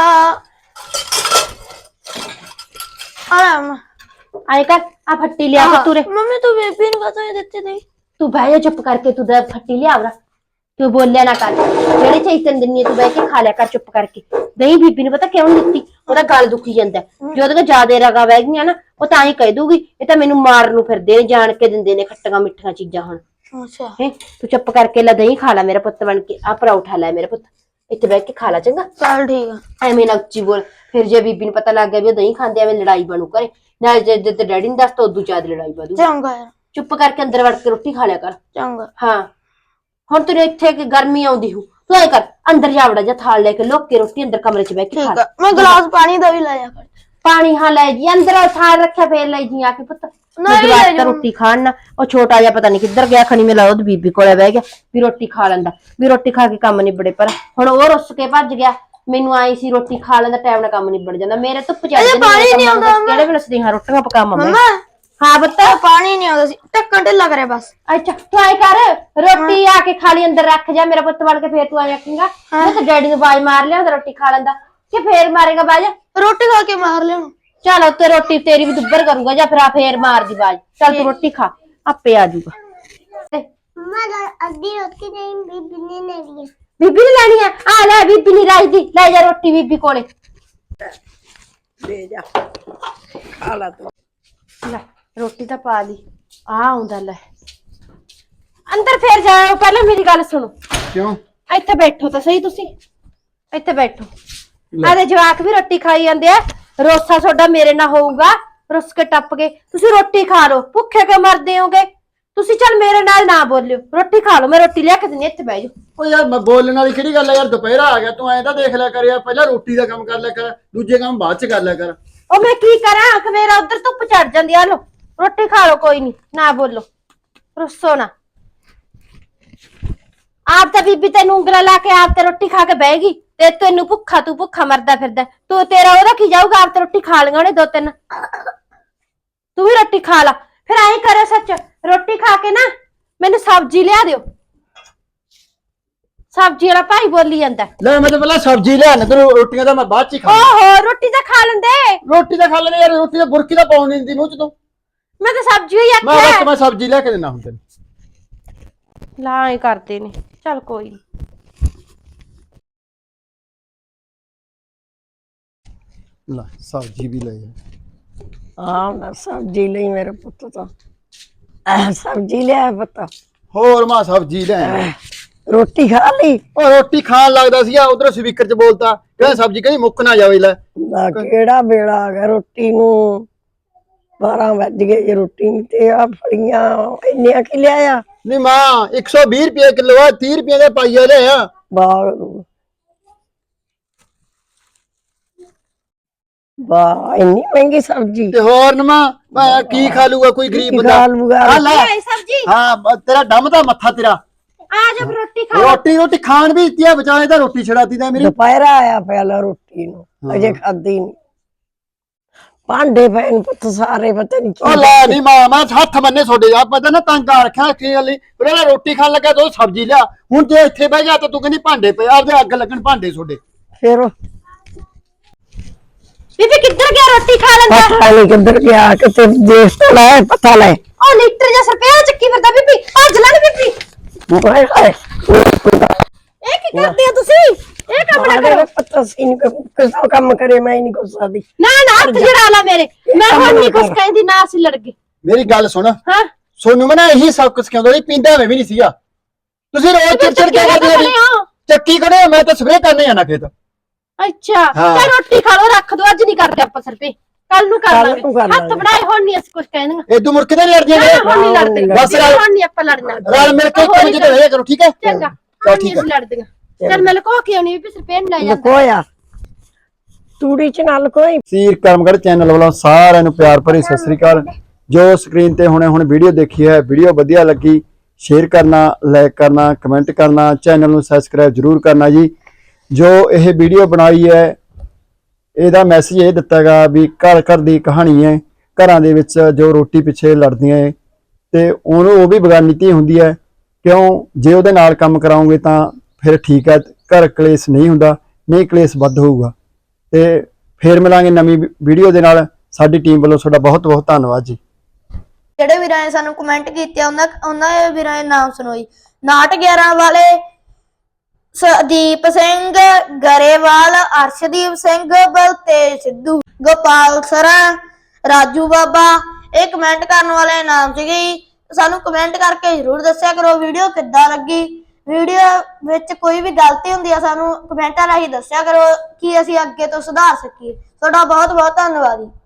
S3: ਆ ਲੈ ਮੰਮਾ
S2: ਆਏ ਕਰ ਆ ਫੱਟੀ ਲਿਆ ਕੇ ਤੁਰੇ
S3: ਮੰਮੀ ਤੂੰ ਬੀਬੀ ਨੂੰ ਕਹਤਾ ਇਹ ਦਿੱਤੇ ਨਹੀਂ
S2: ਤੂੰ ਬਹਿ ਜਾ ਚੁੱਪ ਕਰਕੇ ਤੂੰ ਦਾ ਫੱਟੀ ਲਿਆ ਵਰਾ ਤੂੰ ਬੋਲਿਆ ਨਾ ਕਰ ਜਿਹੜੇ ਚੈਤਨ ਦਿੰਨੀ ਤੂੰ ਬਹਿ ਕੇ ਖਾ ਲਿਆ ਕਰ ਚੁੱਪ ਕਰਕੇ ਨਹੀਂ ਬੀਬੀ ਨੂੰ ਪਤਾ ਕਿਉਂ ਨੀ ਦਿੱਤੀ ਉਹਦਾ ਗਲ ਦੁਖੀ ਜਾਂਦਾ ਜੇ ਉਹਦੇ ਕੋਲ ਜ਼ਿਆਦੇ ਰਗਾ ਵਹਿ ਗਈਆਂ ਨਾ ਉਹ ਤਾਂ ਹੀ ਕਹਿ ਦੂਗੀ ਇਹ ਤਾਂ ਮੈਨੂੰ ਮਾਰਨ ਨੂੰ ਫਿਰਦੇ ਨੇ ਜਾਣ ਕੇ ਦਿੰਦੇ ਨੇ ਖੱਟੀਆਂ ਮਿੱਠੀਆਂ ਚੀਜ਼ਾਂ ਹੁਣ
S3: ਅੱਛਾ
S2: ਹੈ ਤੂੰ ਚੁੱਪ ਕਰਕੇ ਲੈ ਦਹੀਂ ਖਾ ਲੈ ਮੇਰਾ ਪੁੱਤ ਬਣ ਕੇ ਆ ਪਰੌਠਾ ਲੈ ਮੇਰਾ ਪੁੱਤ ਇੱਥੇ ਬਹਿ ਕੇ ਖਾ ਲੈ ਚੰਗਾ
S3: ਚੱਲ ਠੀਕ ਆ
S2: ਐਵੇਂ ਨਾ ਉੱਚੀ ਬੋਲ ਫਿਰ ਜੇ ਬੀਬੀ ਨੂੰ ਪਤਾ ਲੱਗ ਗਿਆ ਵੀ ਉਹ ਦਹੀਂ ਖਾਂਦੇ ਐਵੇਂ ਲੜਾਈ ਬਣੂ ਕਰੇ ਨਾਲ ਜੇ ਜੇ ਤੇ ਡੈਡੀ ਨੂੰ ਦੱਸ ਤਾਂ ਉਦੋਂ ਜ਼ਿਆਦਾ ਲੜਾਈ ਵਧੂ
S3: ਚੰਗਾ ਯਾਰ
S2: ਚੁੱਪ ਕਰਕੇ ਅੰਦਰ ਵੜ ਕੇ ਰੋਟੀ ਖਾ ਲਿਆ ਕਰ
S3: ਚੰਗਾ
S2: ਹਾਂ ਹੁਣ ਤੈਨੂੰ ਇੱਥੇ ਕਿ ਗਰਮੀ ਆਉਂਦੀ ਹੂ ਤੂੰ ਐ ਕਰ ਅੰਦਰ ਜਾ ਵੜਾ ਜਾ ਥਾਲ ਲੈ ਕੇ ਲੁੱਕ ਕੇ ਰੋਟੀ ਅੰਦਰ ਕਮਰੇ 'ਚ ਬਹਿ ਕੇ ਖਾ
S3: ਠੀਕ
S2: ਲੈ
S3: ਆ ਮੈਂ ਗਲਾਸ ਪਾਣੀ ਦਾ ਵੀ ਲੈ ਜਾ ਕਰ
S2: ਪਾਣੀ ਹਾਂ ਲੈ ਜੀ ਅੰਦਰ ਥਾਲ ਰੱਖਿਆ ਫੇਰ ਲੈ ਜੀ ਆ ਕੇ ਪੁੱਤ
S3: ਨਹੀਂ
S2: ਜਵਾਕ
S3: ਲੈ
S2: ਤਾਂ
S3: ਜਾਊਂ।
S2: ਰੋਟੀ ਖਾਣ ਨਾ ਉਹ ਛੋਟਾ ਜਿਹਾ ਪਤਾ ਨਹੀਂ ਕਿੱਧਰ ਗਿਆ ਖਣੀ ਮੇਲਾ ਉਹਦੀ ਬੀਬੀ ਕੋਲੇ ਬਹਿ ਗਿਆ ਵੀ ਰੋਟੀ ਖਾ ਲੈਂਦਾ ਵੀ ਰੋਟੀ ਖਾ ਕੇ ਕੰਮ ਨਿਬੜੇ ਪਰ ਹੁਣ ਉਹ ਰੁੱਸ ਕੇ ਭੱਜ ਗਿਆ ਮੈਨੂੰ ਆਈ ਸੀ ਰੋਟੀ ਖਾ ਲੈਂਦਾ ਟਾਈਮ ਨਾਲ ਕੰਮ ਨਿਬੜ ਜਾਂਦਾ ਮੇਰੇ ਧੁੱਪ ਚੜ ਜਾਂਦੀ
S3: ਪਾਣੀ ਨੀ ਆਉਂਦਾ
S2: ਕਿਹੜੇ ਵੇਲੇ ਸਦੀਆਂ ਰੋਟੀਆਂ ਪਕਾਵਾਂ ਮੈਂ
S3: ਮੰਮਾ
S2: ਹਾਂ ਪੁੱਤ
S3: ਉਹ ਪਾਣੀ ਨਹੀਂ ਆਉਂਦਾ ਸੀ ਢੱਕਣ ਢਿੱਲਾ ਕਰਿਆ ਬਸ
S2: ਅੱਛਾ ਤੂੰ ਆਏ ਕਰ ਰੋਟੀ ਆ ਕੇ ਖਾਲੀ ਅੰਦਰ ਰੱਖ ਜਾ ਮੇਰਾ ਪੁੱਤ ਵੜ ਕੇ ਫੇਰ ਤੂੰ ਆ ਰੱਖੇਂਗਾ ਮੈਂ ਤਾਂ ਡੈਡੀ ਨੂੰ ਬਾਜ ਮਾਰ ਲਿਆ ਰੋਟੀ ਖਾ ਲੈਂਦਾ ਕਿ ਫੇਰ ਮਾਰੇਗਾ ਬਾਜ
S3: ਰੋਟੀ ਖਾ ਕੇ ਮਾਰ ਲਿਆ
S2: ਚਲ ਉੱਤੇ ਰੋਟੀ ਤੇਰੀ ਵੀ ਦੁੱਬਰ ਕਰੂੰਗਾ ਜਾਂ ਫਿਰ ਆ ਫੇਰ ਮਾਰ ਦੀ ਬਾਜ ਚੱਲ ਤੂੰ ਰੋਟੀ ਖਾ ਆਪੇ ਆ ਜਾਊਗਾ
S3: ਮੰਮਾ ਅੱਧੀ ਰੋਟੀ ਨਹੀਂ ਬੀਬੀ ਨੇ ਲੈਣੀ
S2: ਬੀਬੀ ਨੇ ਲੈਣੀ ਆ ਆ ਲੈ ਬੀਬੀ ਨਹੀਂ ਰਾਜਦੀ ਲੈ ਜਾ ਰੋਟੀ ਬੀਬੀ ਕੋਲੇ
S1: ਦੇ ਜਾ ਖਾ ਲਾ ਤੂੰ
S2: ਲੈ ਰੋਟੀ ਤਾਂ ਪਾ ਲਈ ਆ ਆਉਂਦਾ ਲੈ ਅੰਦਰ ਫੇਰ ਜਾਓ ਪਹਿਲਾਂ ਮੇਰੀ ਗੱਲ ਸੁਣੋ
S4: ਕਿਉਂ
S2: ਇੱਥੇ ਬੈਠੋ ਤਾਂ ਸਹੀ ਤੁਸੀਂ ਇੱਥੇ ਬੈਠੋ ਆਦੇ ਜਵਾਕ ਵੀ ਰੋਟੀ ਖਾਈ ਜਾਂਦੇ ਆ ਰੋਸਾ ਤੁਹਾਡਾ ਮੇਰੇ ਨਾਲ ਹੋਊਗਾ ਰੁੱਸ ਕੇ ਟੱਪ ਕੇ ਤੁਸੀਂ ਰੋਟੀ ਖਾ ਲਓ ਭੁੱਖੇ ਕਿਉਂ ਮਰਦੇ ਹੋਗੇ ਤੁਸੀਂ ਚੱਲ ਮੇਰੇ ਨਾਲ ਨਾ ਬੋਲਿਓ ਰੋਟੀ ਖਾ ਲਓ ਮੈਂ ਰੋਟੀ ਲਿਆ ਕੇ ਦਿੰਦੀ ਇੱਥੇ ਬਹਿ ਜਾਓ
S4: ਓ ਯਾਰ ਮੈਂ ਬੋਲਣ ਵਾਲੀ ਕਿਹੜੀ ਗੱਲ ਆ ਯਾਰ ਦੁਪਹਿਰਾ ਆ ਗਿਆ ਤੂੰ ਐਂ ਤਾਂ ਦੇਖ ਲਿਆ ਕਰ ਯਾਰ ਪਹਿਲਾਂ ਰੋਟੀ ਦਾ ਕੰਮ ਕਰ ਲਿਆ ਕਰ ਦੂਜੇ ਕੰਮ ਬਾਅਦ ਚ ਕਰ ਲਿਆ ਕਰ
S2: ਉਹ ਮੈਂ ਕੀ ਕਰਾਂ ਕਿ ਮੇਰਾ ਉਧਰ ਧੁੱਪ ਚੜ ਜਾਂਦੀ ਆ ਲੋ ਰੋਟੀ ਖਾ ਲਓ ਕੋਈ ਨਹੀਂ ਨਾ ਬੋਲੋ ਰੁੱਸੋ ਨਾ ਆਪ ਤਾਂ ਬੀਬੀ ਤੈਨੂੰ ਉਂਗਲਾਂ ਲਾ ਕੇ ਆਪ ਤੇ ਰੋਟੀ ਖਾ ਕੇ ਬਹਿਗੀ ਤੇ ਤੈਨੂੰ ਭੁੱਖਾ ਤੂੰ ਭੁੱਖਾ ਮਰਦਾ ਫਿਰਦਾ ਤੂੰ ਤੇਰਾ ਉਹਦਾ ਕੀ ਜਾਊਗਾ ਆਪ ਤੇ ਰੋਟੀ ਖਾ ਲਈਆਂ ਉਹਨੇ ਦੋ ਤਿੰਨ ਤੂੰ ਵੀ ਰੋਟੀ ਖਾ ਲਾ ਫਿਰ ਐਂ ਕਰਿਓ ਸੱਚ ਰੋਟੀ ਖਾ ਕੇ ਨਾ ਮੈਨੂੰ ਸਬਜ਼ੀ ਲਿਆ ਦਿਓ ਸਬਜ਼ੀ ਵਾਲਾ ਭਾਈ ਬੋਲੀ ਜਾਂਦਾ
S4: ਲੈ ਮੈਂ ਤਾਂ ਪਹਿਲਾਂ ਸਬਜ਼ੀ ਲਿਆਣ ਤੇ ਰੋਟੀਆਂ ਤਾਂ ਮੈਂ ਬਾਅਦ ਚ ਹੀ ਖਾਣਾ
S2: ਓਹੋ ਰੋਟੀ ਤਾਂ ਖਾ ਲੈਂਦੇ
S4: ਰੋਟੀ ਤਾਂ ਖਾ ਲੈਣੇ ਯਾਰ ਰੋਟੀ ਤਾਂ ਬੁਰਕੀ ਤਾਂ ਪਾਉਣ ਨਹੀਂ ਦਿੰਦੀ ਮੂੰਹ ਚ ਤੂੰ
S2: ਮੈਂ ਤਾਂ ਸਬਜ਼ੀ ਹੀ
S4: ਮੈਂ ਬਸ
S2: ਆਖਿਆ
S4: ਮੈਂ ਸਬਜ਼ੀ ਲੈ ਕੇ ਦੇਣਾ ਹੁਣ ਤੈਨੂੰ
S2: ਲਾ ਹੀ ਕਰਦੇ ਨੇ ਚੱਲ ਕੋਈ ਨੀ
S4: ਲੈ ਸਬਜ਼ੀ ਵੀ ਲੈ ਜਾ
S1: ਹਾਂ ਮੈਂ ਸਬਜ਼ੀ ਲਈ ਮੇਰੇ ਪੁੱਤ ਤਾਂ ਆਹ, ਸਬਜ਼ੀ ਲਿਆ ਪੁੱਤ
S4: ਹੋਰ ਮਾਂ ਸਬਜ਼ੀ ਲੈ ਆਇਆ।
S1: ਰੋਟੀ ਖਾ ਲਈ
S4: ਉਹ ਰੋਟੀ ਖਾਣ ਲੱਗਦਾ ਸੀ ਆ ਉਧਰ ਸਪੀਕਰ ਚ ਬੋਲਤਾ ਕਹਿੰਦਾ ਸਬਜ਼ੀ ਕਹਿੰਦੀ ਮੁੱਕ ਨਾ ਜਾਵੇ ਲੈ
S1: ਨਾ ਕਿਹੜਾ ਵੇਲਾ ਆ ਗਿਆ ਰੋਟੀ ਨੂੰ ਬਾਰਾਂ ਵੱਜ ਗਏ ਜੇ ਰੋਟੀ ਨਹੀਂ ਤੇ ਆ ਫਲੀਆਂ ਇੰਨੀਆਂ ਕਿ ਲਿਆਇਆ
S4: ਨਹੀਂ ਮਾਂ ਇੱਕ ਸੌ ਵੀਹ ਰੁਪਏ ਕਿਲੋ ਆ ਤੀਹ ਰੁਪਏ ਦੇ ਪਾਈਆ ਲਿਆ
S1: ਬਾਗ ਨੂੰ ਵਾਹ ਇੰਨੀ ਮਹਿੰਗੀ ਸਬਜ਼ੀ
S4: ਤੇ ਹੋਰ ਨਮਾ ਮੈਂ ਕੀ ਖਾ ਲੂਗਾ ਕੋਈ ਗਰੀਬ
S1: ਕੀ
S4: ਬੰਦਾ
S1: ਖਾ ਲੂਗਾ?
S4: ਆ ਲੈ
S2: ਸਬਜੀ
S4: ਹਾਂ ਬ- ਤੇਰਾ ਡੰਮ ਦਾ ਮੱਥਾ ਤੇਰਾ
S2: ਆ ਜਾ ਫਿਰ ਰੋਟੀ ਖਾ
S4: ਰੋਟੀ ਰੋਟੀ ਖਾਣ ਵੀ ਦਿੱਤੀ ਆ ਵਿਚਾਲੇ ਤਾਂ ਰੋਟੀ ਛੜਾਤੀ ਤਾਂ ਮੇਰੀ
S1: ਦੁਪਹਿਰਾ ਆਇਆ ਪਹਿਲਾਂ ਰੋਟੀ ਨੂੰ ਅਜੇ ਖਾਦੀ ਨਹੀਂ ਭਾਂਡੇ ਪਏ ਨੇ ਪੁੱਤ ਸਾਰੇ ਪਤਾ ਨਹੀਂ
S4: ਉਹ ਲੈ ਨਹੀਂ ਮਾਂ ਮੈਂ ਹੱਥ ਬੰਨੇ ਛੋਡੇ ਆ ਪਤਾ ਨਾ ਤੰਗ ਆ ਰੱਖਿਆ ਕੀ ਗੱਲ ਉਹਨੇ ਰੋਟੀ ਖਾਣ ਲੱਗਾ ਤੂੰ ਸਬਜ਼ੀ ਲਿਆ ਹੁਣ ਜੇ ਇੱਥੇ ਬਹਿ ਜਾ ਤਾਂ ਤੂੰ ਕਹਿੰਦੀ ਭਾਂਡੇ ਪਏ ਆਪਦੇ ਅੱਗ ਲੱਗਣ ਭਾਂਡੇ ਛੋਡੇ
S1: ਫਿਰ
S2: ਬੀਬੀ ਕਿੱਧਰ ਗਿਆ ਰੋਟੀ ਖਾ ਲੈਂਦਾ
S1: ਪਤਾ ਨਹੀਂ ਕਿੱਧਰ ਗਿਆ ਕਿਤੇ ਦੇਖ ਤਾਂ ਲੈ ਪਤਾ ਲੈ
S2: ਉਹ ਲੀਟਰ ਜਿਹਾ ਸਰਪਿਆ ਚੱਕੀ ਫਿਰਦਾ ਬੀਬੀ ਭੱਜ ਲੈ ਨੀ ਬੀਬੀ
S1: ਹਾਏ ਹਾਏ
S2: ਇਹ ਕੀ ਕਰਦੇ ਆ ਤੁਸੀਂ ਇਹ ਕੰਮ ਨਾ ਕਰੋ
S1: ਪਤਾ ਸੀ ਨਹੀਂ ਕਿਸ ਕੰਮ ਕਰੇ ਮੈਂ ਨਹੀਂ ਕੁਛ ਸਕਦੀ
S2: ਨਾ ਨਾ ਹੱਥ ਜੜਾ ਲਾ ਮੇਰੇ ਮੈਂ ਹੁਣ ਨਹੀਂ ਕੁਛ ਕਹਿੰਦੀ ਨਾ ਅਸੀਂ ਲੜ ਗਏ
S4: ਮੇਰੀ ਗੱਲ ਸੁਣ
S2: ਹਾਂ
S4: ਸੋਨੂੰ ਮੈਂ ਨਾ ਇਹੀ ਸਭ ਕੁਝ ਕਹਿੰਦਾ ਸੀ ਪੀਂਦਾ ਮੈਂ ਵੀ ਨਹੀਂ ਸੀਗਾ ਤੁਸੀਂ ਰੋਜ਼ ਚਿੜਚਿੜ ਕਿਉਂ ਕਰਦੇ ਹੋ ਚੱਕੀ ਕਰੇ ਮੈਂ ਤਾਂ ਸਵੇਰੇ ਕਰਨੇ ਜਾਣਾ ਖੇਤ
S2: ਅੱਛਾ ਤੇ ਰੋਟੀ ਖਾ ਲੋ ਰੱਖ ਦੋ ਅੱਜ ਨਹੀਂ ਕਰਦੇ ਆਪਾਂ ਸਰਪੇ ਕੱਲ ਨੂੰ ਕਰ ਲਾਂਗੇ ਹੱਥ ਬਣਾਏ ਹੁਣ ਨਹੀਂ ਅਸੀਂ ਕੁਛ ਕਹਿੰਦੇ
S4: ਇਹ ਤੂੰ ਮੁੜ ਕੇ ਤਾਂ ਨਹੀਂ ਲੜਦੀਆਂ ਨੇ
S2: ਹੁਣ ਨਹੀਂ ਲੜਦੇ
S4: ਬਸ ਰਲ
S2: ਹੁਣ ਨਹੀਂ ਆਪਾਂ ਲੜਨਾ
S4: ਰਲ ਮਿਲ ਕੇ ਕੰਮ ਜਿਹਾ ਰਹਿਆ ਕਰੋ ਠੀਕ ਹੈ
S2: ਚੰਗਾ
S4: ਚਲ
S2: ਹੁਣ
S4: ਠੀਕ
S2: ਨਹੀਂ ਅਸੀਂ ਲੜਦੀਆਂ ਚੱਲ ਮੈਂ ਲਕੋ ਕੇ ਆਉਣੀ ਵੀ ਸਰਪੇ ਨੂੰ ਲੈ ਜਾਂਦਾ
S1: ਕੋਇਆ ਤੂੜੀ ਚ ਨਾਲ ਕੋਈ
S4: ਸੀਰ ਕਰਮਗੜ ਚੈਨਲ ਵੱਲੋਂ ਸਾਰਿਆਂ ਨੂੰ ਪਿਆਰ ਭਰੀ ਸਤਿ ਸ੍ਰੀ ਅਕਾਲ ਜੋ ਸਕਰੀਨ ਤੇ ਹੁਣੇ ਹੁਣ ਵੀਡੀਓ ਦੇਖੀ ਹੈ ਵੀਡੀਓ ਵਧੀਆ ਲੱਗੀ ਸ਼ੇਅਰ ਕਰਨਾ ਲਾਈਕ ਕਰਨਾ ਕਮੈਂਟ ਕਰਨਾ ਚੈਨਲ ਨੂੰ ਸਬਸਕ੍ਰਾਈਬ ਜਰੂਰ ਕਰਨਾ ਜੀ ਜੋ ਇਹ ਵੀਡੀਓ ਬਣਾਈ ਹੈ ਇਹਦਾ ਮੈਸੇਜ ਇਹ ਦਿੱਤਾਗਾ ਵੀ ਘਰ ਘਰ ਦੀ ਕਹਾਣੀ ਹੈ ਘਰਾਂ ਦੇ ਵਿੱਚ ਜੋ ਰੋਟੀ ਪਿੱਛੇ ਲੜਦੀਆਂ ਹੈ ਤੇ ਉਹਨੂੰ ਉਹ ਵੀ ਬੇਗਾਨੀ ਧੀ ਹੁੰਦੀ ਹੈ ਕਿਉਂ ਜੇ ਉਹਦੇ ਨਾਲ ਕੰਮ ਕਰਾਉਂਗੇ ਤਾਂ ਫਿਰ ਠੀਕ ਹੈ ਘਰ ਕਲੇਸ਼ ਨਹੀਂ ਹੁੰਦਾ ਨਹੀਂ ਕਲੇਸ਼ ਵੱਧ ਹੋਊਗਾ ਤੇ ਫੇਰ ਮਿਲਾਂਗੇ ਨਵੀਂ ਵੀਡੀਓ ਦੇ ਨਾਲ ਸਾਡੀ ਟੀਮ ਵੱਲੋਂ ਤੁਹਾਡਾ ਬਹੁਤ ਬਹੁਤ ਧੰਨਵਾਦ ਜੀ
S3: ਜਿਹੜੇ ਵੀਰਾਂ ਨੇ ਸਾਨੂੰ ਕਮੈਂਟ ਕੀਤੇ ਉਹਨਾਂ ਉਹਨਾਂ ਦੇ ਵੀਰਾਂ ਦੇ ਨਾਮ ਸੁਣੋਈ ਨਾਟ ਗਿਆਰਾਂ ਵਾਲੇ ਸਦੀਪ ਸਿੰਘ ਗਰੇਵਾਲ ਅਰਸ਼ਦੀਪ ਸਿੰਘ ਬਲਤੇਜ ਸਿੱਧੂ ਗੋਪਾਲ ਸਰਾ ਰਾਜੂ ਬਾਬਾ ਇਹ ਕਮੈਂਟ ਕਰਨ ਵਾਲੇ ਨਾਮ ਸੀਗੇ ਸਾਨੂੰ ਕਮੈਂਟ ਕਰਕੇ ਜਰੂਰ ਦੱਸਿਆ ਕਰੋ ਵੀਡੀਓ ਕਿੱਦਾਂ ਲੱਗੀ ਵੀਡੀਓ ਵਿੱਚ ਕੋਈ ਵੀ ਗਲਤੀ ਹੁੰਦੀ ਆ ਸਾਨੂੰ ਕਮੈਂਟਾਂ ਰਾਹੀਂ ਦੱਸਿਆ ਕਰੋ ਕਿ ਅਸੀਂ ਅੱਗੇ ਤੋਂ ਸੁਧਾਰ ਸਕੀਏ ਤੁਹਾਡਾ ਬਹੁਤ ਬਹੁਤ ਧੰਨਵਾਦ ਜੀ।